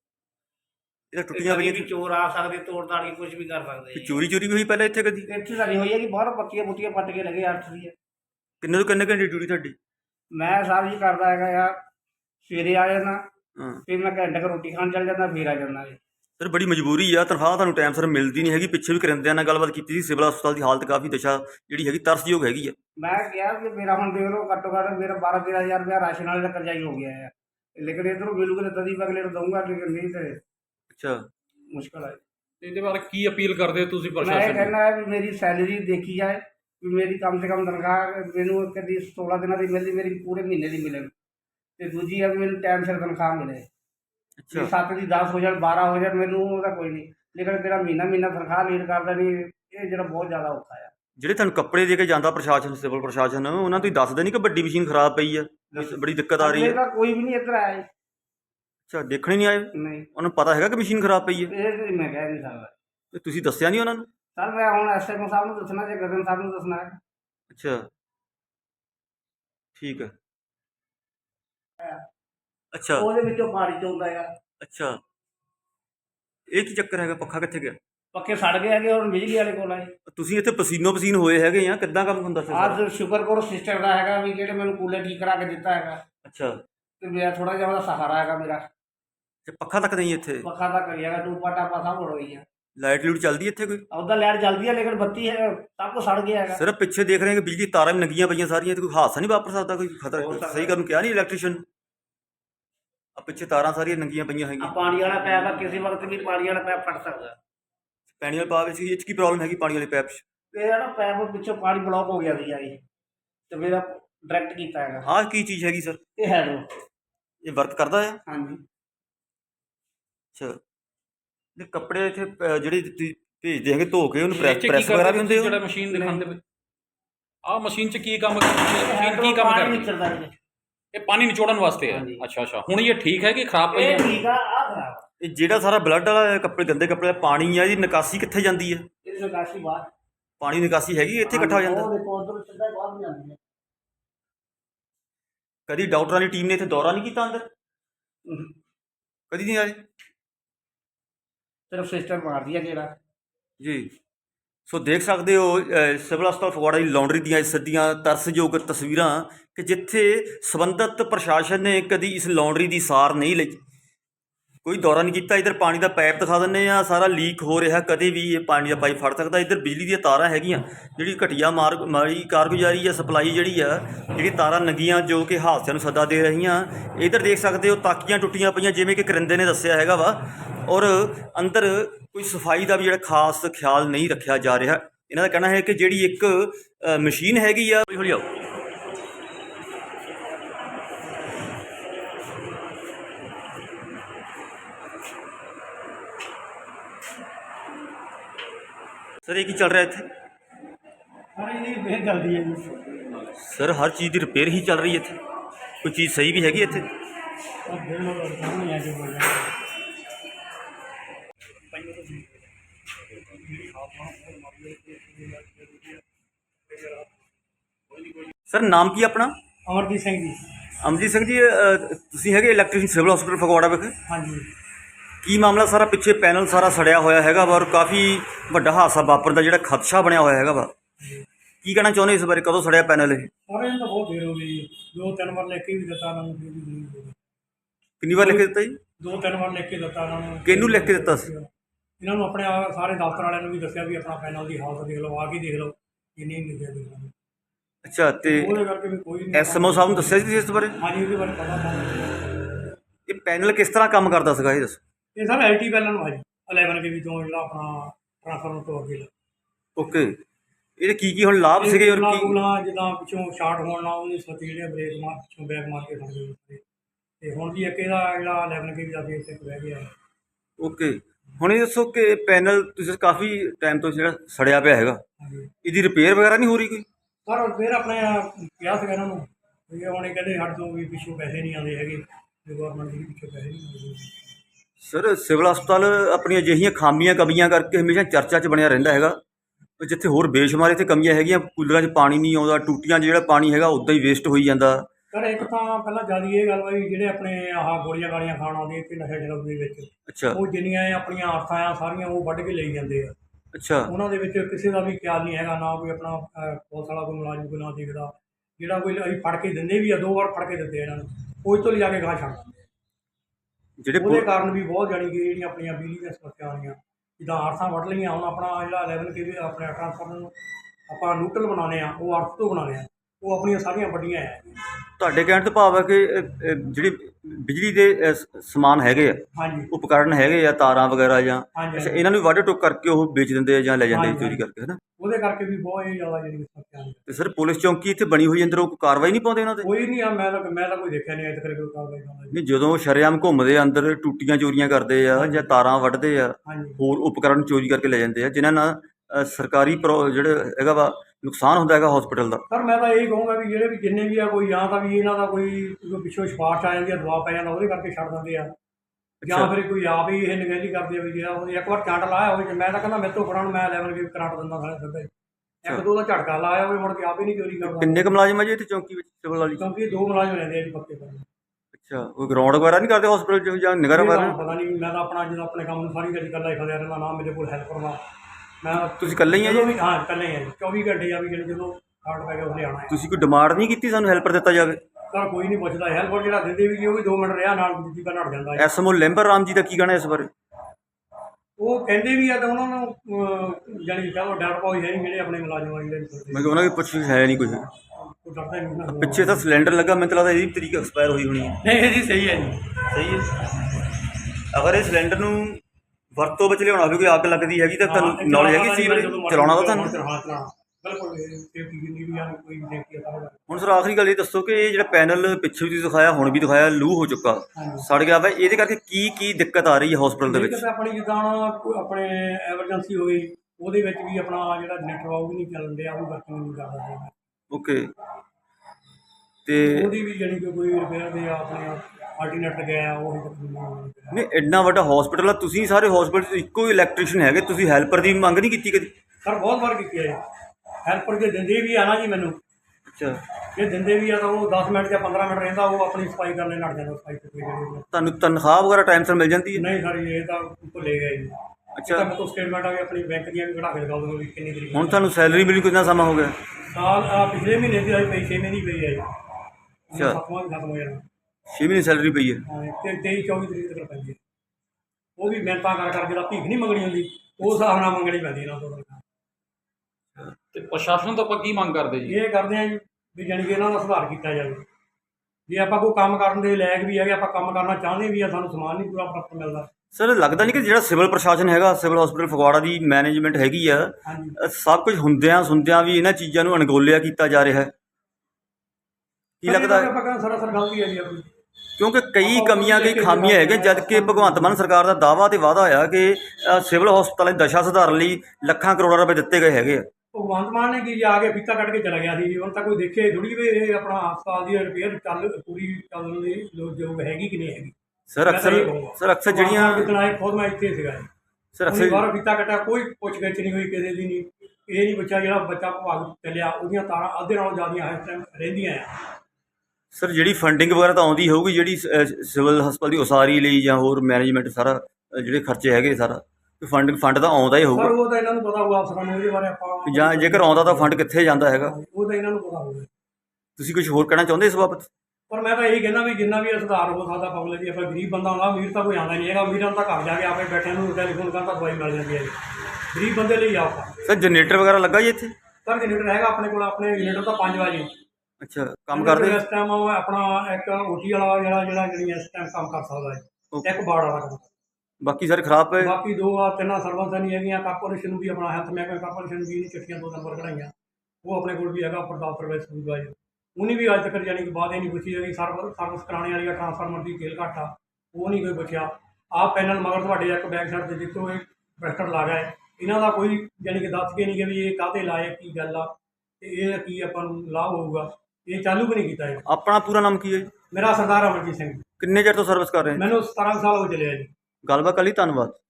[SPEAKER 6] ਇਹ ਤਾਂ ਟੁੱਟੀਆਂ
[SPEAKER 7] ਕਦੀ
[SPEAKER 6] ਪਈਆਂ
[SPEAKER 7] ਵੀ ਚੋਰ ਆ ਸਕਦੇ, ਤੋੜ ਤਾੜ ਕੇ ਕੁਝ ਵੀ ਕਰ ਸਕਦੇ
[SPEAKER 6] ਤੇ
[SPEAKER 7] ਜੀ।
[SPEAKER 6] ਚੋਰੀ ਚੋਰੀ ਵੀ ਹੋਈ ਪਹਿਲਾਂ ਇੱਥੇ ਕਦੀ?
[SPEAKER 7] ਇੱਥੇ ਤਾਂ ਨਹੀਂ ਹੋਈ ਹੈ ਕਿ ਬਾਹਰ ਪੱਤੀਆਂ ਪੁੱਤੀਆਂ ਪੱਟ ਕੇ ਲੱਗੇ ਅੱਠ ਦੀ ਹੈ।
[SPEAKER 6] ਕਿੰਨੇ ਤੋਂ ਕਿੰਨੇ ਘੰਟੇ ਡਿਊਟੀ ਤੁਹਾਡੀ?
[SPEAKER 7] ਮੈਂ ਸਾਹਿਬ ਜੀ ਕਰਦਾ ਹੈਗਾ ਯਾਰ, ਸਵੇਰੇ ਆ ਜਾਣਾ,
[SPEAKER 6] ਹਾਂ
[SPEAKER 7] ਫਿਰ ਮੈਂ ਘੰਟੇ ਕੁ ਰੋਟੀ ਖਾਣ ਚੱਲ ਜਾਂਦਾ, ਫਿਰ ਆ ਜਾਂਦਾ ਜੀ।
[SPEAKER 6] ਸਰ, ਬੜੀ ਮਜਬੂਰੀ ਆ, ਤਨਖਾਹ ਤੁਹਾਨੂੰ ਟਾਈਮ ਸਿਰ ਮਿਲਦੀ ਨਹੀਂ ਹੈਗੀ। ਪਿੱਛੇ ਵੀ ਕਰਿੰਦਿਆਂ ਨਾਲ ਗੱਲਬਾਤ ਕੀਤੀ ਸੀ, ਸਿਵਲ ਹਸਪਤਾਲ ਦੀ ਹਾਲਤ ਕਾਫੀ ਦਸ਼ਾ ਜਿਹੜੀ ਹੈਗੀ ਤਰਸਯੋਗ ਹੈਗੀ ਆ।
[SPEAKER 7] ਮੈਂ ਕਿਹਾ ਕਿ ਮੇਰਾ ਹੁਣ ਦੇਖ ਲਓ ਘੱਟੋ ਘੱਟ ਮੇਰਾ ਬਾਰਾਂ ਤੇਰਾਂ ਹਜ਼ਾਰ ਰੁਪਇਆ ਰਾਸ਼ਨ ਵਾਲੇ ਦਾ ਕਰਜ਼ਾ ਹੀ ਹੋ ਗਿਆ ਹੈ। ਲੇਕਿਨ ਇੱਧਰੋਂ ਮਿਲੂਗਾ ਤਾਂ ਤਦੀ ਮੈਂ ਅਗਲੇ ਨੂੰ ਦਊਂਗਾ, ਲੇਕਿਨ ਨਹੀਂ ਤੇ
[SPEAKER 6] ਅੱਛਾ,
[SPEAKER 7] ਮੁਸ਼ਕਲ ਹੈ।
[SPEAKER 3] ਇਹਦੇ ਬਾਰੇ ਕੀ ਅਪੀਲ ਕਰਦੇ ਹੋ ਤੁਸੀਂ
[SPEAKER 7] ਮੈਂ ਇਹ
[SPEAKER 3] ਪ੍ਰਸ਼ਾਸਨ ਨੂੰ?
[SPEAKER 7] ਕਹਿੰਦਾ ਹੈ ਵੀ ਮੇਰੀ ਸੈਲਰੀ ਦੇਖੀ ਜਾਏ, ਵੀ ਮੇਰੀ ਕਮ ਸੇ ਕਮ ਤਨਖਾਹ ਮੈਨੂੰ ਕਦੀ ਸੋਲਾਂ ਦਿਨਾਂ ਦੀ ਮਿਲਦੀ, ਮੇਰੀ ਪੂਰੇ ਮਹੀਨੇ ਦੀ ਮਿਲੇ, ਤੇ ਦੂਜੀ ਹੈ ਵੀ ਮੈਨੂੰ ਟਾਈਮ ਸਿਰ ਤਨਖਾਹ ਮਿਲੇ।
[SPEAKER 6] ਅੱਛਾ।
[SPEAKER 7] ਸੱਤ ਦੀ ਦਸ ਹੋ ਜਾਣ, ਬਾਰਾਂ ਹੋ ਜਾਣ, ਮੈਨੂੰ ਉਹਦਾ ਕੋਈ ਨਹੀਂ, ਲੇਕਿਨ ਜਿਹੜਾ ਮਹੀਨਾ ਮਹੀਨਾ ਤਨਖਾਹ ਲੇਟ ਕਰਦਾ ਨਹੀਂ, ਇਹ ਜਿਹੜਾ ਬਹੁਤ ਜ਼ਿਆਦਾ ਔਖਾ ਆ।
[SPEAKER 6] ਜਿਹੜੇ ਤੁਹਾਨੂੰ ਕੱਪੜੇ ਦੇ ਕੇ ਜਾਂਦਾ ਪ੍ਰਸ਼ਾਸਨ, ਸਿਵਲ ਪ੍ਰਸ਼ਾਸਨ, ਉਹਨਾਂ ਤੋਂ ਹੀ ਦੱਸਦੇ ਨਹੀਂ ਕਿ ਵੱਡੀ ਮਸ਼ੀਨ ਖਰਾਬ ਪਈ ਆ, ਬੜੀ ਦਿੱਕਤ ਆ ਰਹੀ
[SPEAKER 7] ਅਗਲੇ
[SPEAKER 6] ਹੈ?
[SPEAKER 7] ਦਾ ਕੋਈ ਵੀ ਨਹੀਂ ਇੱਧਰ ਆਇਆ ਜੀ।
[SPEAKER 6] ਅੱਛਾ, ਦੇਖਣ ਹੀ ਨਹੀਂ ਆਏ?
[SPEAKER 7] ਨਹੀਂ,
[SPEAKER 6] ਉਹਨਾਂ ਨੂੰ ਪਤਾ ਹੈਗਾ ਕਿ ਮਸ਼ੀਨ ਖਰਾਬ ਪਈ ਹੈ?
[SPEAKER 7] ਇਹ ਤਾਂ ਮੈਂ ਕਹਿ ਨਹੀਂ ਸਕਦਾ
[SPEAKER 6] ਤੇ ਤੁਸੀਂ ਦੱਸਿਆ ਨਹੀਂ ਉਹਨਾਂ ਨੂੰ?
[SPEAKER 7] ਸਰ। ਮੈਂ ਹੁਣ ਐਸਐਮਓ ਸਾਹਿਬ ਨੂੰ ਦੱਸਣਾ ਜਾਂ ਗਗਨ ਸਾਹਿਬ ਨੂੰ ਦੱਸਣਾ ਹੈ।
[SPEAKER 6] ਅੱਛਾ, ਠੀਕ ਹੈ। ਅੱਛਾ
[SPEAKER 7] ਉਹਦੇ ਵਿੱਚੋਂ ਪਾਣੀ ਚੋਂਦਾ ਆ।
[SPEAKER 6] ਅੱਛਾ, ਇਹ ਕੀ ਚੱਕਰ ਹੈਗਾ? ਪੱਖਾ ਕਿੱਥੇ ਗਿਆ?
[SPEAKER 7] ਪੱਕੇ ਸੜ ਗਏ ਹੈਗੇ, ਹੁਣ ਬਿਜਲੀ ਵਾਲੇ ਕੋਲ ਆਏ।
[SPEAKER 6] ਤੁਸੀਂ ਇੱਥੇ ਪਸੀਨੋ ਪਸੀਨ ਹੋਏ ਹੈਗੇ ਆ, ਕਿੱਦਾਂ ਕੰਮ ਹੁੰਦਾ ਸੀ ਸਾਰਾ?
[SPEAKER 7] ਅੱਜ ਸ਼ੁਕਰ ਕਰੋ ਸਿਸਟਰ ਦਾ ਹੈਗਾ ਵੀ ਜਿਹੜੇ ਮੈਨੂੰ ਕੂਲਰ ਠੀਕ ਕਰਾ ਕੇ ਦਿੱਤਾ ਹੈਗਾ,
[SPEAKER 6] ਅੱਛਾ,
[SPEAKER 7] ਤੇ ਮੇਰਾ ਥੋੜਾ ਜਿਹਾ ਉਹਦਾ ਸਹਾਰਾ ਹੈਗਾ ਮੇਰਾ।
[SPEAKER 6] ਤੇ ਪੱਖਾ ਤੱਕ ਨਹੀਂ ਇੱਥੇ?
[SPEAKER 7] ਪੱਖਾ ਤਾਂ ਕਰੀਏਗਾ, ਟੂਪਾ ਟਾਪਾ ਸਭ ਹੋ ਰਹੀ ਹੈ।
[SPEAKER 6] ਲਾਈਟ ਲੂਟ ਚੱਲਦੀ ਇੱਥੇ ਕੋਈ?
[SPEAKER 7] ਉਹਦਾ ਲਾਈਟ ਜਲਦੀ ਹੈ ਲੇਕਿਨ ਬੱਤੀ ਹੈ ਸਭ ਕੁਛ ਸੜ ਗਿਆ ਹੈਗਾ।
[SPEAKER 6] ਸਿਰਫ ਪਿੱਛੇ ਦੇਖ ਰਹੇ ਹਾਂ ਕਿ ਬਿਜਲੀ ਤਾਰਾਂ ਵੀ ਨੰਗੀਆਂ ਪਈਆਂ ਸਾਰੀਆਂ, ਤੇ ਕੋਈ ਹਾਦਸਾ ਨਹੀਂ ਵਾਪਰ ਸਕਦਾ? ਕੋਈ
[SPEAKER 7] ਹੋ
[SPEAKER 6] ਖਤਰਾ
[SPEAKER 7] ਸਕਦਾ।
[SPEAKER 6] ਸਹੀ ਕਰਨ ਨੂੰ ਕਿਹਾ ਨਹੀਂ ਇਲੈਕਟ੍ਰੀਸ਼ੀਅਨ? ਆ ਪਿੱਛੇ ਤਾਰਾਂ ਸਾਰੀਆਂ ਨੰਗੀਆਂ ਪਈਆਂ
[SPEAKER 7] ਆ
[SPEAKER 6] ਹੈਗੀਆਂ।
[SPEAKER 7] ਪਾਣੀ ਵਾਲਾ ਪੈਪ ਆ, ਕਿਸੇ ਵਕਤ ਵੀ ਪਾਣੀ ਵਾਲਾ ਪੈਪ ਫਟ ਸਕਦਾ।
[SPEAKER 6] ਪਾਣੀ ਵਾਲੇ ਪਾਪ ਵਿੱਚ ਇਹ 'ਚ ਕੀ ਪ੍ਰੋਬਲਮ ਹੈਗੀ ਪਾਣੀ ਵਾਲੇ ਪੈਪ 'ਚ?
[SPEAKER 7] ਤੇ ਨਾ ਪੈਪ ਪਿੱਛੋਂ ਪਾਣੀ ਬਲੌਕ ਹੋ ਗਿਆ ਸੀ ਜੀ, ਤੇ ਮੇਰਾ ਡਾਇਰੈਕਟ ਕੀਤਾ ਹੈਗਾ।
[SPEAKER 6] ਆਹ ਕੀ ਚੀਜ਼ ਹੈਗੀ ਸਰ?
[SPEAKER 7] ਇਹ ਹੈਡੋ।
[SPEAKER 6] ਇਹ ਵਰਕ ਕਰਦਾ ਆ?
[SPEAKER 7] ਹਾਂਜੀ।
[SPEAKER 6] ਅੱਛਾ, ਤੇ ਕੱਪੜੇ ਇੱਥੇ ਅ, ਜਿਹੜੇ ਤੁਸੀਂ ਭੇਜਦੇ ਹੈਗੇ ਧੋ ਕੇ ਉਹਨੂੰ ਪ੍ਰੈਸ ਪ੍ਰੈਸ ਵਗੈਰਾ ਵੀ ਹੁੰਦੇ ਹੋ?
[SPEAKER 8] ਜਿਹੜਾ ਮਸ਼ੀਨ ਦਿਖਾਉਂਦੇ ਪਏ ਆਹ ਮਸ਼ੀਨ 'ਚ ਕੀ ਕੰਮ ਕਰਦੀ ਹੈ? ਮਸ਼ੀਨ ਕੀ ਕੰਮ
[SPEAKER 7] ਪਾਣੀ
[SPEAKER 8] ਕਰਦੀ ਹੈ?
[SPEAKER 7] ਨਿਕਲਦਾ ਜੀ।
[SPEAKER 8] ਇਹ ਪਾਣੀ ਨਿਚੋੜਨ ਵਾਸਤੇ ਹੈ।
[SPEAKER 7] ਹਾਂਜੀ।
[SPEAKER 8] ਅੱਛਾ ਅੱਛਾ, ਹੁਣ ਇਹ ਠੀਕ ਹੈ ਕਿ ਖਰਾਬ ਪਈ
[SPEAKER 7] ਇਹ
[SPEAKER 8] ਹੈ?
[SPEAKER 7] ਠੀਕ ਆ, ਆ ਖਰਾਬ ਆ।
[SPEAKER 6] ਇਹ ਜਿਹੜਾ ਸਾਰਾ ਬਲੱਡ ਵਾਲਾ ਕੱਪੜੇ ਗੰਦੇ ਕੱਪੜੇ ਦਾ ਪਾਣੀ ਆ, ਇਹਦੀ ਨਿਕਾਸੀ ਕਿੱਥੇ ਜਾਂਦੀ ਹੈ?
[SPEAKER 7] ਇਹ ਨਿਕਾਸੀ ਬਾਹਰ।
[SPEAKER 6] ਪਾਣੀ ਦੀ ਨਿਕਾਸੀ ਹੈਗੀ ਇੱਥੇ ਇਕੱਠਾ ਹੋ ਜਾਂਦਾ?
[SPEAKER 7] ਉਹ ਦੇਖੋ ਉਧਰ ਸਿੱਧਾ ਬਾਹਰ ਨਹੀਂ ਜਾਂਦੀ ਹੈ।
[SPEAKER 6] ਕਦੀ ਡਾਕਟਰਾਂ ਦੀ ਟੀਮ ਨੇ ਇੱਥੇ ਦੌਰਾ ਨਹੀਂ ਕੀਤਾ ਅੰਦਰ? ਕਦੀ ਨਹੀਂ ਆਏ?
[SPEAKER 7] ਸਿਰਫ ਸਿਸਟਰ ਮਾਰਦੀ ਹੈ ਜਿਹੜਾ।
[SPEAKER 6] ਜੀ, ਸੋ ਦੇਖ ਸਕਦੇ ਹੋ ਅ, ਸਿਵਲ ਹਸਪਤਾਲ ਫਗਵਾੜਾ ਦੀ ਲਾਉਂਡਰੀ ਦੀਆਂ ਇਹ ਸਿੱਧੀਆਂ ਤਰਸਯੋਗ ਤਸਵੀਰਾਂ ਕਿ ਜਿੱਥੇ ਸੰਬੰਧਿਤ ਪ੍ਰਸ਼ਾਸਨ ਨੇ ਕਦੀ ਇਸ ਲਾਉਂਡਰੀ ਦੀ ਸਾਰ ਨਹੀਂ ਲਈ, ਕੋਈ ਦੌਰਾ ਨਹੀਂ ਕੀਤਾ। ਇੱਧਰ ਪਾਣੀ ਦਾ ਪਾਈਪ ਦਿਖਾ ਦਿੰਦੇ ਆ, ਸਾਰਾ ਲੀਕ ਹੋ ਰਿਹਾ, ਕਦੇ ਵੀ ਇਹ ਪਾਣੀ ਦਾ ਪਾਈਪ ਫਟ ਸਕਦਾ। ਇੱਧਰ ਬਿਜਲੀ ਦੀਆਂ ਤਾਰਾਂ ਹੈਗੀਆਂ, ਜਿਹੜੀ ਘਟੀਆ ਮਾਰ ਮਾਰੀ ਕਾਰਗੁਜ਼ਾਰੀ ਜਾਂ ਸਪਲਾਈ ਜਿਹੜੀ ਆ, ਜਿਹੜੀ ਤਾਰਾਂ ਨੰਗੀਆਂ ਜੋ ਕਿ ਹਾਦਸਿਆਂ ਨੂੰ ਸੱਦਾ ਦੇ ਰਹੀਆਂ। ਇੱਧਰ ਦੇਖ ਸਕਦੇ ਹੋ ਤਾਕੀਆਂ ਟੁੱਟੀਆਂ ਪਈਆਂ, ਜਿਵੇਂ ਕਿ ਕਰਿੰਦੇ ਨੇ ਦੱਸਿਆ ਹੈਗਾ ਵਾ, ਔਰ ਅੰਦਰ ਕੋਈ ਸਫਾਈ ਦਾ ਵੀ ਜਿਹੜਾ ਖਾਸ ਖਿਆਲ ਨਹੀਂ ਰੱਖਿਆ ਜਾ ਰਿਹਾ। ਇਹਨਾਂ ਦਾ ਕਹਿਣਾ ਹੈ ਕਿ ਜਿਹੜੀ ਇੱਕ ਅ, ਮਸ਼ੀਨ ਹੈਗੀ ਆ, ਹੌਲੀ ਹੌਲੀ ਆਓ, ਸਰ ਇਹ ਕੀ ਚੱਲ ਰਿਹਾ ਇੱਥੇ?
[SPEAKER 5] ਸਾਰੀ ਜੀ ਫੇਰ ਜਲਦੀ ਹੈ ਜੀ।
[SPEAKER 6] ਸਰ ਹਰ ਚੀਜ਼ ਦੀ ਰਿਪੇਅਰ ਹੀ ਚੱਲ ਰਹੀ ਹੈ ਇੱਥੇ, ਕੋਈ ਚੀਜ਼ ਸਹੀ ਵੀ ਹੈਗੀ ਇੱਥੇ?
[SPEAKER 5] ਉਹ ਫੇਰ ਲੋਕ ਸਾਹਮਣੇ ਆ ਕੇ ਬੋਲ
[SPEAKER 6] ਸਰ ਨਾਮ ਕੀ ਆਪਣਾ?
[SPEAKER 5] ਅਮਰਜੀਤ ਸਿੰਘ ਜੀ।
[SPEAKER 6] ਅਮਰਜੀਤ ਸਿੰਘ ਜੀ, ਅ, ਤੁਸੀਂ ਹੈਗੇ ਇਲੈਕਟ੍ਰੀਸ਼ੀਅਨ ਸਿਵਲ ਹਸਪਤਾਲ ਫਗਵਾੜਾ ਵਿਖੇ।
[SPEAKER 5] ਹਾਂਜੀ।
[SPEAKER 6] ਕੀ ਮਾਮਲਾ ਸਾਰਾ? ਪਿੱਛੇ ਪੈਨਲ ਸਾਰਾ ਸੜਿਆ ਹੋਇਆ ਹੈਗਾ ਵਾ, ਔਰ ਕਾਫੀ ਵੱਡਾ ਹਾਦਸਾ ਵਾਪਰਨ ਦਾ ਜਿਹੜਾ ਖਦਸ਼ਾ ਬਣਿਆ ਹੋਇਆ ਹੈਗਾ ਵਾ। ਕੀ ਕਹਿਣਾ ਚਾਹੁੰਦੇ ਇਸ ਬਾਰੇ? ਕਦੋਂ ਸੜਿਆ ਪੈਨਲ ਇਹ?
[SPEAKER 5] ਸਾਰੇ ਨੂੰ ਤਾਂ ਬਹੁਤ ਦੇਰ ਹੋ ਗਈ ਜੀ, ਦੋ ਤਿੰਨ ਵਾਰ ਲਿਖ ਕੇ ਵੀ ਦਿੱਤਾ ਉਹਨਾਂ ਨੂੰ, ਫਿਰ ਵੀ ਨਹੀਂ ਹੋਈ।
[SPEAKER 6] ਕਿੰਨੀ ਵਾਰ ਲਿਖ ਕੇ ਦਿੱਤਾ ਜੀ?
[SPEAKER 5] ਦੋ ਤਿੰਨ ਵਾਰ ਲਿਖ ਕੇ ਦਿੱਤਾ ਉਹਨਾਂ ਨੂੰ।
[SPEAKER 6] ਕਿਹਨੂੰ ਲਿਖ ਕੇ ਦਿੱਤਾ ਸੀ?
[SPEAKER 5] ਇਹਨਾਂ ਨੂੰ ਆਪਣੇ ਆ- ਸਾਰੇ ਦਫ਼ਤਰ ਵਾਲਿਆਂ ਨੂੰ ਵੀ ਦੱਸਿਆ ਵੀ ਆਪਣਾ ਪੈਨਲ ਦੀ ਹਾਲਤ ਦੇਖ ਲਓ, ਆ ਕੇ ਦੇਖ ਲਓ, ਇਹ ਨਹੀਂ ਲਿਖਿਆ ਦੇਖ ਲਓ।
[SPEAKER 6] ਅੱਛਾ, ਤੇ
[SPEAKER 5] ਉਹਦੇ ਕਰਕੇ ਵੀ ਕੋਈ ਨਹੀਂ।
[SPEAKER 6] ਐਸਐਮਓ ਸਾਹਿਬ ਨੂੰ ਦੱਸਿਆ ਸੀ ਤੁਸੀਂ ਇਸ ਬਾਰੇ?
[SPEAKER 5] ਹਾਂਜੀ, ਉਹਦੇ ਬਾਰੇ ਪਤਾ ਤਾਂ।
[SPEAKER 6] ਇਹ ਪੈਨਲ ਕਿਸ ਤਰ੍ਹਾਂ ਕੰਮ ਕਰਦਾ ਸੀਗਾ ਇਹ ਦੱਸੋ?
[SPEAKER 5] ਇਹ ਸਰ ਐਲ ਟੀ ਪੈਨਲ ਨੂੰ ਆ ਜੀ, ਇਲੈਵਨ ਕੇ ਵੀ ਤੋਂ ਜਿਹੜਾ ਆਪਣਾ ਟ੍ਰਾਂਸਫਾਰਮਰ ਤੋਂ ਅੱਗੇ ਲਾ।
[SPEAKER 6] ਓਕੇ, ਇਹਦੇ ਕੀ ਕੀ ਹੁਣ ਲਾਭ ਸੀਗੇ ਔਰ ਕੀ?
[SPEAKER 5] ਕੂਲਾਂ ਜਿੱਦਾਂ ਪਿੱਛੋਂ ਸ਼ਾਰਟ ਹੋਣ ਨਾਲ ਉਹਦੀ ਸੱਤ ਜਿਹੜੇ ਬ੍ਰੇਕ ਮਾਰ ਪਿੱਛੋਂ ਬੈਕ ਮਾਰ ਕੇ ਖੜ ਗਏ। ਤੇ ਹੁਣ ਵੀ ਇੱਕ ਇਹਦਾ ਜਿਹੜਾ ਇਲੈਵਨ ਕੇ ਵੀ ਦਾ ਫੇਸ ਤੇ ਰਹਿ ਗਿਆ।
[SPEAKER 6] ਓਕੇ, ਹੁਣ ਇਹ ਦੱਸੋ ਕਿ ਪੈਨਲ ਤੁਸੀਂ ਕਾਫੀ ਟਾਈਮ ਤੋਂ ਜਿਹੜਾ ਸੜਿਆ ਪਿਆ ਹੈਗਾ,
[SPEAKER 5] ਹਾਂਜੀ
[SPEAKER 6] ਇਹਦੀ ਰਿਪੇਅਰ ਵਗੈਰਾ ਨਹੀਂ ਹੋ ਰਹੀ ਕੋਈ?
[SPEAKER 5] ਪਰ ਫਿਰ ਆਪਣੇ ਕਿਹਾ ਸੀਗਾ ਇਹਨਾਂ ਨੂੰ ਵੀ ਹੁਣ ਇਹ ਕਹਿੰਦੇ ਸਾਡੇ ਤੋਂ ਵੀ ਪਿੱਛੋਂ ਪੈਸੇ ਨਹੀਂ ਆਉਂਦੇ ਹੈਗੇ, ਗਵਰਨਮੈਂਟ ਦੇ ਪਿੱਛੋਂ ਪੈਸੇ ਨਹੀਂ ਆਉਂਦੇ।
[SPEAKER 6] ਸਰ ਸਿਵਲ ਹਸਪਤਾਲ ਆਪਣੀਆਂ ਅਜਿਹੀਆਂ ਖਾਮੀਆਂ ਕਮੀਆਂ ਕਰਕੇ ਹਮੇਸ਼ਾ ਚਰਚਾ 'ਚ ਬਣਿਆ ਰਹਿੰਦਾ ਹੈਗਾ। ਜਿੱਥੇ ਹੋਰ ਬੇਸ਼ੁਮਾਰ ਇੱਥੇ ਕਮੀਆਂ ਹੈਗੀਆਂ, ਕੂਲਰਾਂ 'ਚ ਪਾਣੀ ਨਹੀਂ ਆਉਂਦਾ, ਟੂਟੀਆਂ 'ਚ ਜਿਹੜਾ ਪਾਣੀ ਹੈਗਾ ਉੱਦਾਂ ਹੀ ਵੇਸਟ ਹੋਈ ਜਾਂਦਾ।
[SPEAKER 5] ਸਰ ਇੱਕ ਤਾਂ ਪਹਿਲਾਂ ਜਿਆਦਾ ਇਹ ਗੱਲ ਵਾ ਵੀ ਜਿਹੜੇ ਆਪਣੇ ਆਹ ਗੋਲੀਆਂ ਗਾਲੀਆਂ ਖਾਣ ਆਉਂਦੇ ਇੱਥੇ ਨਸ਼ਾ ਜਲਦ ਦੇ ਵਿੱਚ,
[SPEAKER 6] ਅੱਛਾ
[SPEAKER 5] ਉਹ ਜਿੰਨੀਆਂ ਇਹ ਆਪਣੀਆਂ ਆਰਥਾਂ ਆ ਸਾਰੀਆਂ ਉਹ ਵੱਢ ਕੇ ਲਈ ਜਾਂਦੇ ਆ।
[SPEAKER 6] ਅੱਛਾ
[SPEAKER 5] ਉਹਨਾਂ ਦੇ ਵਿੱਚ ਕਿਸੇ ਦਾ ਵੀ ਖਿਆਲ ਨਹੀਂ ਹੈਗਾ, ਨਾ ਕੋਈ ਆਪਣਾ ਅਹ, ਪੁਲਿਸ ਵਾਲਾ ਕੋਈ ਮੁਲਾਜ਼ਮ ਕੋਈ ਨਾ ਦੇਖਦਾ। ਜਿਹੜਾ ਕੋਈ ਅਸੀਂ ਫੜ ਕੇ ਦਿੰਦੇ ਵੀ ਆ, ਦੋ ਵਾਰ ਫੜ ਕੇ ਦਿੱਤੇ ਇਹਨਾਂ ਨੂੰ, ਉਹ ਤੋਂ ਲਿਜਾ ਕੇ ਗਾਹ ਛੱਡ ਦਿੰਦੇ ਆ।
[SPEAKER 6] ਜਿਹੜੇ
[SPEAKER 5] ਉਹਦੇ
[SPEAKER 6] ਪੁ-
[SPEAKER 5] ਕਾਰਨ ਵੀ ਬਹੁਤ ਜਾਣੀ ਕਿ ਜਿਹੜੀਆਂ ਆਪਣੀਆਂ ਬਿਜਲੀ ਦੀਆਂ ਸਮੱਸਿਆ ਆਉਂਦੀਆਂ, ਜਿੱਦਾਂ ਆਰਥਾਂ ਵੱਢ ਲਈਆਂ। ਹੁਣ ਆਪਣਾ ਜਿਹੜਾ ਇਲੈਵਨ ਕੇ ਵੀ ਆਪਣੇ ਟਰਾਂਸਫਾਰਮਰ ਨੂੰ ਆਪਾਂ ਨਿਊਟਰਲ ਬਣਾਉਂਦੇ ਆ, ਉਹ ਅਰਥ ਤੋਂ ਬਣਾਉਂਦੇ ਆ, ਉਹ ਆਪਣੀਆਂ ਸਾਰੀਆਂ ਵੱਡੀਆਂ ਆ।
[SPEAKER 6] ਤੁਹਾਡੇ ਕਹਿਣ ਤੋਂ ਭਾਵ ਹੈ ਕਿ ਅ, ਅ, ਜਿਹੜੀ ਬਿਜਲੀ ਦੇ ਅ, ਸ- ਸਮਾਨ ਹੈਗੇ ਆ,
[SPEAKER 5] ਹਾਂਜੀ
[SPEAKER 6] ਉਪਕਰਨ ਹੈਗੇ ਆ, ਤਾਰਾਂ ਵਗੈਰਾ ਜਾਂ
[SPEAKER 5] ਹਾਂਜੀ
[SPEAKER 6] ਅੱਛਾ, ਇਹਨਾਂ ਨੂੰ ਵੱਢ ਟੁੱਕ ਕਰਕੇ ਉਹ ਵੇਚ ਦਿੰਦੇ ਆ ਜਾਂ ਲੈ ਜਾਂਦੇ ਆ
[SPEAKER 5] ਹਾਂਜੀ,
[SPEAKER 6] ਚੋਰੀ ਕਰਕੇ, ਹੈ ਨਾ?
[SPEAKER 5] ਉਹਦੇ ਕਰਕੇ ਵੀ ਬਹੁਤ ਹੀ ਜ਼ਿਆਦਾ ਜਿਹੜੀ ਸਮੱਸਿਆ ਆਉਂਦੀ।
[SPEAKER 6] ਤੇ ਸਰ ਪੁਲਿਸ ਚੌਂਕੀ ਇੱਥੇ ਬਣੀ ਹੋਈ ਅੰਦਰ, ਉਹ ਕਾਰਵਾਈ ਨਹੀਂ ਪਾਉਂਦੇ ਉਹਨਾਂ ਤੇ?
[SPEAKER 5] ਕੋਈ ਨਹੀਂ ਆ, ਮੈਂ ਤਾਂ ਮੈਂ ਤਾਂ ਕੋਈ ਦੇਖਿਆ ਨਹੀਂ ਅਜੇ ਤੱਕ ਕੋਈ ਕਾਰਵਾਈ ਕਰਦਾ ਜੀ।
[SPEAKER 6] ਨਹੀਂ, ਜਦੋਂ ਸ਼ਰੇਆਮ ਘੁੰਮਦੇ ਆ ਅੰਦਰ, ਟੂਟੀਆਂ ਚੋਰੀਆਂ ਕਰਦੇ ਆ ਜਾਂ ਤਾਰਾਂ ਵੱਢਦੇ ਆ,
[SPEAKER 5] ਹਾਂਜੀ
[SPEAKER 6] ਹੋਰ ਉਪਕਰਨ ਚੋਰੀ ਕਰਕੇ ਲੈ ਜਾਂਦੇ ਆ, ਜਿਨ੍ਹਾਂ ਨਾਲ ਅ, ਸਰਕਾਰੀ ਪ੍ਰੋ ਜਿਹੜਾ ਹੈਗਾ ਵਾ ਨੁਕਸਾਨ ਹੁੰਦਾ ਹੈਗਾ ਹਸਪੀਟਲ ਦਾ।
[SPEAKER 5] ਸਰ ਮੈਂ ਤਾਂ ਇਹੀ ਕਹੂੰਗਾ ਵੀ ਜਿਹੜੇ ਵੀ ਜਿੰਨੇ ਵੀ ਆ, ਕੋਈ ਜਾਂ ਤਾਂ ਵੀ ਇਹਨਾਂ ਦਾ ਕੋਈ ਕੋਈ ਪਿੱਛੋਂ ਸਿਫਾਰਿਸ਼ ਆ ਜਾਂਦੀ ਆ, ਦਬਾਅ ਪੈ ਜਾਂਦਾ, ਉਹਦੇ ਕਰਕੇ ਛੱਡ ਦਿੰਦੇ ਆ, ਜਾਂ
[SPEAKER 6] ਅੱਛਾ।
[SPEAKER 5] ਫਿਰ ਕੋਈ ਆਪ ਹੀ ਇਹ ਨਿਗਹਿਲੀ ਕਰਦੇ ਆ ਵੀ ਜਿਹੜਾ ਉਹਨੇ ਇੱਕ ਵਾਰ ਚੰਡ ਲਾਇਆ ਹੋਵੇ। ਮੈਂ ਤਾਂ ਕਹਿੰਦਾ ਮੇਰੇ ਤੋਂ ਫੜਨ, ਮੈਂ ਲੈਵਲ ਵੀ ਕਰੰਟ ਦਿੰਦਾ ਸਾਲੇ ਸਿੱਧਾ ਹੀ।
[SPEAKER 3] ਇੱਕ ਦੋ ਦਾ ਝਟਕਾ ਲਾਇਆ ਉਹ ਮੁੜ ਕੇ ਆਪ ਹੀ ਨਹੀਂ ਚੋਰੀ ਕਰਦਾ।
[SPEAKER 6] ਕਿੰਨੇ ਕੁ ਮੁਲਾਜ਼ਮ ਆ ਜੀ ਇੱਥੇ ਚੌਂਕੀ ਵਿੱਚ ਸਿਵਲ ਵਾਲੀ?
[SPEAKER 3] ਕਿਉਂਕਿ ਦੋ ਮੁਲਾਜ਼ਮ ਰਹਿੰਦੇ ਆ ਜੀ ਪੱਕੇ ਪਰ।
[SPEAKER 6] ਅੱਛਾ, ਕੋਈ ਗਰਾਊਂਡ ਵਗੈਰਾ ਨਹੀਂ ਕਰਦੇ ਹਸਪੀਟਲ 'ਚ ਜਾਂ ਨਿਗਰ ਵਗੈਰਾ?
[SPEAKER 3] ਪਤਾ ਨਹੀਂ, ਮੈਂ ਤਾਂ ਆਪਣਾ ਜਦੋਂ ਆਪਣੇ ਕੰਮ ਨੂੰ ਸਾਰੀ ਦਿਹਾੜੀ ਇਕੱਲਾ ਹੀ ਖੜਿਆ ਰਹਿੰਦਾ, ਨਾ ਮੇਰੇ ਕੋਲ ਹੈਲਪਰ ਵਾ। ਮੈਂ
[SPEAKER 6] ਤੁਸੀਂ ਇਕੱਲੇ ਹੀ ਆ ਜੀ?
[SPEAKER 3] ਜਦੋਂ ਵੀ ਹਾਂ ਇਕੱਲੇ ਹੀ ਆ ਜੀ, ਚੌਵੀ ਘੰਟੇ ਆ ਵੀ ਜਿਹੜੇ ਜਦੋਂ ਕਾਰਡ ਪੈ ਗਿਆ ਉਹਨੇ ਆਉਣਾ ਹੈ।
[SPEAKER 6] ਤੁਸੀਂ ਕੋਈ ਡਿਮਾਂਡ ਨਹੀਂ ਕੀਤੀ ਸਾਨੂੰ ਹੈਲਪਰ ਦਿੱਤਾ ਜਾਵੇ?
[SPEAKER 3] ਸਰ ਕੋਈ ਨਹੀਂ ਪੁੱਛਦਾ, ਹੈਲਪਰ ਜਿਹੜਾ ਦਿੰਦੇ ਵੀ ਜੀ ਉਹ ਵੀ ਦੋ ਮਿੰਟ ਰਿਹਾ ਨਾਲ ਦੂਜੀ ਵਾਰ ਨੱਟ ਜਾਂਦਾ ਜੀ।
[SPEAKER 6] ਐਸਐਮਓ ਲੈਂਬਰ ਰਾਮ ਜੀ ਦਾ ਕੀ ਕਹਿਣਾ ਇਸ ਬਾਰੇ?
[SPEAKER 3] ਉਹ ਕਹਿੰਦੇ ਵੀ ਆ ਤਾਂ ਉਹਨਾਂ ਨੂੰ ਅਹ, ਜਾਣੀ ਕਿ ਉਹ ਡਰ ਪਾਈ ਹੈ ਨਹੀਂ ਜਿਹੜੇ ਆਪਣੇ ਮੁਲਾਜ਼ਮਾਂ ਜਿਹੜੇ
[SPEAKER 6] ਮੈਂ ਕਿਹਾ ਉਹਨਾਂ ਦੀ ਪੁੱਛ ਹੈ ਨਹੀਂ ਕੁਝ।
[SPEAKER 3] ਉਹ ਡਰਦਾ ਹੀ ਨਹੀਂ ਨਾ।
[SPEAKER 6] ਪਿੱਛੇ ਤਾਂ ਸਿਲੰਡਰ ਲੱਗਾ, ਮੈਨੂੰ ਤਾਂ ਲੱਗਦਾ ਇਹਦੀ ਤਰੀਕ ਐਕਸਪਾਇਰ ਹੋਈ ਹੋਣੀ ਹੈ।
[SPEAKER 3] ਨਹੀਂ ਜੀ ਸਹੀ ਹੈ ਜੀ।
[SPEAKER 6] ਸਹੀ ਹੈ। ਅਗਰ ਇਹ ਸਿਲੰਡਰ ਨੂੰ ਵਰਤੋਂ ਵਿੱਚ ਲਿਆਉਣਾ ਹੋਵੇ, ਕੋਈ ਅੱਗ ਲੱਗਦੀ ਹੈਗੀ ਤਾਂ ਤੁਹਾਨੂੰ ਨੌਲੇਜ ਹੈਗੀ ਸੀ ਬਾਰੇ? ਚਲਾਉਣਾ ਤਾਂ ਤੁਹਾਨੂੰ?
[SPEAKER 3] ਹਾਂ ਚਲਾਉਣਾ ਬਿਲਕੁਲ, ਸੇਫਟੀ ਜਿੰਨੀ ਵੀ ਆ ਕੋਈ ਵੀ ਸੇਫਟੀ ਆ।
[SPEAKER 6] ਹੁਣ ਸਰ ਆਖਰੀ ਗੱਲ ਇਹ ਦੱਸੋ ਕਿ ਇਹ ਜਿਹੜਾ ਪੈਨਲ ਪਿੱਛੇ ਵੀ ਦਿਖਾਇਆ ਹੁਣ ਵੀ ਦਿਖਾਇਆ ਲੂ ਹੋ ਚੁੱਕਾ, ਸੜ ਗਿਆ ਵਾ, ਇਹਦੇ ਕਰਕੇ ਕੀ ਕੀ ਦਿੱਕਤ ਆ ਰਹੀ ਹੈ ਹਸਪੀਟਲ ਦੇ ਵਿੱਚ?
[SPEAKER 3] ਦਿੱਕਤ ਆਪਣੀ ਜਿੱਦਾਂ ਹੁਣ ਕੋਈ ਆਪਣੇ ਐਮਰਜੈਂਸੀ ਹੋ ਗਈ ਉਹਦੇ ਵਿੱਚ ਵੀ ਆਪਣਾ ਜਿਹੜਾ ਜਨਰੇਟਰ ਆ ਉਹ ਵੀ ਨਹੀਂ ਚੱਲਣ ਡਿਆ, ਉਹ ਵੀ ਵਰਕਿੰਗ ਨਹੀਂ ਕਰਦਾ।
[SPEAKER 6] ਓਕੇ, ਤੇ
[SPEAKER 3] ਉਹਦੀ ਵੀ ਜਾਣੀ ਕਿ ਕੋਈ ਰਿਪੇਅਰ ਦੇ ਆਪਣੇ ਆਲਟਰਨੇਟ ਲਗਾਇਆ ਉਹ ਵੀ
[SPEAKER 6] ਨਹੀਂ ਇੰਨਾ ਵੱਡਾ ਹਸਪੀਟਲ ਆ, ਤੁਸੀਂ ਸਾਰੇ ਹਸਪੀਟਲ 'ਚ ਇੱਕੋ ਹੀ ਇਲੈਕਟ੍ਰੀਸ਼ੀਅਨ ਹੈਗੇ, ਤੁਸੀਂ ਹੈਲਪਰ ਦੀ ਮੰਗ ਨਹੀਂ ਕੀਤੀ ਕਦੀ?
[SPEAKER 3] ਸਰ ਬਹੁਤ ਵਾਰ ਕੀਤੀ ਹੈ ਹੈਲਪਰ ਜੇ ਦਿੰਦੇ ਵੀ ਆ ਨਾ ਜੀ ਮੈਨੂੰ,
[SPEAKER 6] ਅੱਛਾ,
[SPEAKER 3] ਜੇ ਦਿੰਦੇ ਵੀ ਆ ਤਾਂ ਉਹ ਦਸ ਮਿੰਟ ਜਾਂ ਪੰਦਰਾਂ ਮਿੰਟ ਰਹਿੰਦਾ, ਉਹ ਆਪਣੀ ਸਫਾਈ ਕਰਨ ਲਈ ਨੱਟ ਜਾਂਦਾ। ਸਫਾਈ ਤੇ ਕੋਈ ਜਿਹੜੀ
[SPEAKER 6] ਤੁਹਾਨੂੰ ਤਨਖਾਹ ਵਗੈਰਾ ਟਾਈਮ ਸਿਰ ਮਿਲ ਜਾਂਦੀ ਹੈ?
[SPEAKER 3] ਨਹੀਂ ਸਰ ਇਹ ਤਾਂ ਭੁੱਲੇ ਗਏ ਜੀ।
[SPEAKER 6] ਅੱਛਾ,
[SPEAKER 3] ਤਾਂ ਮੇਰੇ ਤੋਂ ਸਟੇਟਮੈਂਟ ਆ ਗਈ ਆਪਣੀ ਬੈਂਕ ਦੀਆਂ ਵੀ ਕਢਾ ਕੇ ਦਿਖਾ ਦੂੰਗਾ ਵੀ ਕਿੰਨੀ ਤਰੀਕ
[SPEAKER 6] ਹੁਣ ਤੁਹਾਨੂੰ ਸੈਲਰੀ ਮਿਲੀ ਕਿੰਨਾ ਸਮਾਂ ਹੋ ਗਿਆ?
[SPEAKER 3] ਸਾਲ ਆ ਪਿਛਲੇ ਮਹੀਨੇ ਦੀ ਆਈ ਪਈ, ਛੇ ਮਹੀਨੇ ਦੀ ਪਈ ਹੈ ਜੀ।
[SPEAKER 6] ਅੱਛਾ।
[SPEAKER 3] ਸੱਤਵਾਂ ਵੀ ਖਤਮ ਹੋ ਜਾਣਾ।
[SPEAKER 6] ਛੇ ਮਹੀਨੇ ਸੈਲਰੀ ਪਈ ਹੈ?
[SPEAKER 3] ਹਾਂ ਤੇ ਤੇਈ ਚੌਵੀ ਤਰੀਕ ਤੱਕ ਪੈਂਦੀ ਹੈ। ਉਹ ਵੀ ਮਿਹਨਤਾਂ ਕਰ ਕਰ ਜਿਹੜਾ ਭੀਖ ਨਹੀਂ ਮੰਗਣੀ ਹੁੰਦੀ ਉਹ ਹਿਸਾਬ ਨਾਲ ਮੰਗਣੀ ਪੈਂਦੀ ਇਹਨਾਂ ਤੋਂ।
[SPEAKER 8] ਤੇ ਪ੍ਰਸ਼ਾਸਨ ਤੋਂ ਆਪਾਂ ਕੀ ਮੰਗ ਕਰਦੇ ਜੀ?
[SPEAKER 3] ਇਹ ਕਰਦੇ ਆ ਜੀ ਵੀ ਜਾਣੀ ਕਿ ਇਹਨਾਂ ਦਾ ਸੁਧਾਰ ਕੀਤਾ ਜਾਵੇ। ਜੇ ਆਪਾਂ ਕੋਈ ਕੰਮ ਕਰਨ ਦੇ ਲਾਇਕ ਵੀ ਹੈਗੇ, ਆਪਾਂ ਕੰਮ ਕਰਨਾ ਚਾਹੁੰਦੇ ਵੀ ਆ, ਸਾਨੂੰ ਸਮਾਨ ਨਹੀਂ ਪੂਰਾ ਪ੍ਰਾਪਤ ਮਿਲਦਾ।
[SPEAKER 6] ਸਰ ਲੱਗਦਾ ਨਹੀਂ ਕਿ ਜਿਹੜਾ ਸਿਵਲ ਪ੍ਰਸ਼ਾਸਨ ਹੈਗਾ, ਸਿਵਲ ਹਸਪੀਟਲ ਫਗਵਾੜਾ ਦੀ ਮੈਨੇਜਮੈਂਟ ਹੈਗੀ ਆ,
[SPEAKER 3] ਹਾਂਜੀ
[SPEAKER 6] ਅ, ਸਭ ਕੁਝ ਹੁੰਦਿਆਂ ਸੁਣਦਿਆਂ ਵੀ ਇਹਨਾਂ ਚੀਜ਼ਾਂ ਨੂੰ ਅਣਗੌਲਿਆ ਕੀਤਾ ਜਾ ਰਿਹਾ ਹੈ? ਕੀ ਲੱਗਦਾ ਹੈ?
[SPEAKER 3] ਆਪਾਂ ਕਹਿੰਦੇ ਸਰਾਸਰ ਗਲਤੀ ਹੈ ਜੀ ਆਪਣੀ।
[SPEAKER 6] ਕਿਉਂਕਿ ਕਈ ਕਮੀਆਂ ਕਈ ਖਾਮੀਆਂ ਹੈਗੀਆਂ, ਜਦ ਕਿ ਭਗਵੰਤ ਮਾਨ ਸਰਕਾਰ ਦਾ ਦਾਅਵਾ ਤੇ ਵਾਅਦਾ ਹੋਇਆ ਕਿ ਅ, ਸਿਵਲ ਹਸਪਤਾਲਾਂ ਦੀ ਦਸ਼ਾ ਸੁਧਾਰਨ ਲਈ ਲੱਖਾਂ ਕਰੋੜਾਂ ਰੁਪਏ ਦਿੱਤੇ ਗਏ ਹੈਗੇ ਆ।
[SPEAKER 3] ਭਗਵੰਤ ਮਾਨ ਨੇ ਕੀ ਜੀ ਆ ਕੇ ਫੀਤਾ ਕੱਢ ਕੇ ਚਲਾ ਗਿਆ ਸੀ ਜੀ। ਹੁਣ ਤਾਂ ਕੋਈ ਦੇਖੇ ਥੋੜੀ ਵੀ ਇਹ ਆਪਣਾ ਹਸਪਤਾਲ ਦੀ ਰਿਪੇਅਰ ਚੱਲ ਪੂਰੀ ਚੱਲਣ ਦੀ ਲੋਕ ਹੈਗੀ ਕਿ ਨਹੀਂ ਹੈਗੀ।
[SPEAKER 6] ਸਰ ਅਕਸਰ ਸਰ ਅਕਸਰ ਜਿਹੜੀਆਂ
[SPEAKER 3] ਕਿਤਨਾ ਇਹ ਖੁਦ ਮੈਂ ਇੱਥੇ ਸੀਗਾ ਜੀ।
[SPEAKER 6] ਸਰ
[SPEAKER 3] ਅਸੀਂ
[SPEAKER 6] ਅਕਸਰ
[SPEAKER 3] ਬਾਹਰ ਫੀਤਾ ਕੱਟਿਆ, ਕੋਈ ਪੁੱਛ ਗਿੱਛ ਨਹੀਂ ਹੋਈ ਕਿਸੇ ਦੀ ਨਹੀਂ। ਇਹ ਨਹੀਂ ਪੁੱਛਿਆ ਜਿਹੜਾ ਬੱਚਾ ਭਵਾਗ ਚੱਲਿਆ ਉਹਦੀਆਂ ਤਾਰਾਂ ਅੱਧੇ ਨਾਲੋਂ ਜ਼ਿਆਦੀਆਂ ਇਸ ਟਾਈਮ ਰਹਿੰਦੀਆਂ ਆ।
[SPEAKER 6] ਸਰ ਜਿਹੜੀ ਫੰਡਿੰਗ ਵਗੈਰਾ ਤਾਂ ਆਉਂਦੀ ਹੋਊਗੀ ਜਿਹੜੀ ਸ- ਅ, ਸਿਵਲ ਹਸਪਤਾਲ ਦੀ ਉਸਾਰੀ ਲਈ ਜਾਂ ਹੋਰ ਮੈਨੇਜਮੈਂਟ ਸਾਰਾ ਅ, ਜਿਹੜੇ ਖਰਚੇ ਹੈਗੇ ਸਾਰਾ ਫੰਡ ਫੰਡ ਤਾਂ ਆਉਂਦਾ ਹੀ
[SPEAKER 3] ਸਰ
[SPEAKER 6] ਹੋਊਗਾ,
[SPEAKER 3] ਉਹ ਤਾਂ ਇਹਨਾਂ ਨੂੰ ਪਤਾ ਹੋਊਗਾ ਅਫਸਰਾਂ ਨੂੰ ਇਹਦੇ ਬਾਰੇ। ਆਪਾਂ
[SPEAKER 6] ਜਾਂ ਜੇਕਰ ਆਉਂਦਾ ਤਾਂ ਫੰਡ ਕਿੱਥੇ ਜਾਂਦਾ ਹੈਗਾ?
[SPEAKER 3] ਉਹ ਤਾਂ ਇਹਨਾਂ ਨੂੰ ਪਤਾ ਹੋਊਗਾ।
[SPEAKER 6] ਤੁਸੀਂ ਕੁਝ ਹੋਰ ਕਹਿਣਾ ਚਾਹੁੰਦੇ ਇਸ ਬਾਬਤ?
[SPEAKER 3] ਪਰ ਮੈਂ ਤਾਂ ਇਹੀ ਕਹਿੰਦਾ ਵੀ ਜਿੰਨਾ ਵੀ ਇਹ ਸੁਧਾਰ ਹੋ ਸਕਦਾ ਪਬਲਿਕ ਦੀ। ਆਪਾਂ ਗਰੀਬ ਬੰਦਾ ਹੁੰਦਾ, ਅਮੀਰ ਤਾਂ ਕੋਈ ਆਉਂਦਾ ਨਹੀਂ ਹੈਗਾ। ਅਮੀਰਾਂ ਨੂੰ ਤਾਂ ਘਰ ਜਾ ਕੇ ਆਪੇ ਬੈਠਿਆਂ ਨੂੰ ਟੈਲੀਫੋਨ ਕਰਨ ਤਾਂ ਦਵਾਈ ਮਿਲ ਜਾਂਦੀ ਹੈ ਜੀ। ਗਰੀਬ ਬੰਦੇ ਲਈ ਆਓ।
[SPEAKER 6] ਸਰ ਜਨਰੇਟਰ ਵਗੈਰਾ ਲੱਗਾ ਜੀ ਇੱਥੇ?
[SPEAKER 3] ਸਰ ਜਨਰੇਟਰ ਹੈਗਾ ਆਪਣੇ ਕੋਲ। ਆਪਣੇ ਜਨਰੇਟਰ ਤਾਂ ਪੰਜ ਵਜੇ
[SPEAKER 6] ਅੱਛਾ, ਕੰਮ ਕਰਦੇ?
[SPEAKER 3] ਇਸ ਟਾਈਮ ਉਹ ਆਪਣਾ ਇੱਕ ਓਟੀ ਵਾਲਾ ਜਿਹੜਾ ਜਿਹੜਾ ਜਿਹੜੀ ਇਸ ਟਾਈਮ ਕੰਮ ਕਰ ਸਕਦਾ ਹੈ, ਇੱਕ ਬਾੜ ਵਾਲਾ ਕੰਮ।
[SPEAKER 6] ਬਾਕੀ ਸਾਰੇ ਖਰਾਬ ਪਏ?
[SPEAKER 3] ਬਾਕੀ ਦੋ ਆ ਤਿੰਨਾਂ ਸਰਵਿਸਾਂ ਨਹੀਂ ਹੈਗੀਆਂ। ਕਾਰਪੋਰੇਸ਼ਨ ਨੂੰ ਵੀ ਆਪਣਾ ਹੈਲਥ ਮਹਿਕਮੇ ਕਾਰਪੋਰੇਸ਼ਨ ਵੀ ਨਹੀਂ ਚਿੱਠੀਆਂ ਦੋ ਨੰਬਰ ਕਢਾਈਆਂ। ਉਹ ਆਪਣੇ ਕੋਲ ਵੀ ਹੈਗਾ ਪ੍ਰਤਾਪ ਸਰਵਿਸ ਸੁਪਰਵਾਈਜ਼ਰ। ਉਹਨੇ ਵੀ ਅੱਜ ਤੱਕ ਜਾਣੀ ਕਿ ਬਾਤ ਇਹ ਨਹੀਂ ਪੁੱਛੀ ਹੈਗੀ ਸਰਵ ਸਰਵਿਸ ਕਰਾਉਣੇ ਵਾਲੀ ਆ, ਟਰਾਂਸਫਾਰਮਰ ਦੀ ਤੇਲ ਘੱਟ ਆ, ਉਹ ਨਹੀਂ ਕੋਈ ਪੁੱਛਿਆ। ਆਹ ਪੈਨਲ ਮਗਰ ਤੁਹਾਡੇ ਇੱਕ ਬੈਕ ਸਾਈਡ 'ਤੇ ਜਿੱਥੋਂ ਇਹ ਪ੍ਰੈਸਟਰ ਲਾ ਗਿਆ ਹੈ, ਇਹਨਾਂ ਦਾ ਕੋਈ ਜਾਣੀ ਕਿ ਦੱਸ ਕੇ ਨਹੀਂ ਕਿ ਵੀ ਇਹ ਕਾਹਤੇ ਲਾਏ, ਕੀ ਗੱਲ ਆ ਤੇ ਇਹ ਕੀ ਆਪਾਂ ਨੂੰ ਲਾਭ ਹੋਊਗਾ। ਇਹ ਚਾਲੂ ਵੀ ਨਹੀਂ ਕੀਤਾ ਹੈ।
[SPEAKER 6] ਆਪਣਾ ਪੂਰਾ ਨਾਮ ਕੀ ਹੈ ਜੀ?
[SPEAKER 3] ਮੇਰਾ ਸਰਦਾਰ ਅਮਰਜੀਤ ਸਿੰਘ।
[SPEAKER 6] ਕਿੰਨੇ ਚਿਰ ਤੋਂ ਸਰਵਿਸ ਕਰ ਰਹੇ ਹੋ?
[SPEAKER 3] ਮੈਨੂੰ ਸਤਾਰਾਂ ਸਾਲ ਹੋ ਚੱਲੇ ਆ ਜੀ।
[SPEAKER 6] ਗੱਲਬਾਤ ਕਰ ਲਈ, ਧੰਨਵਾਦ।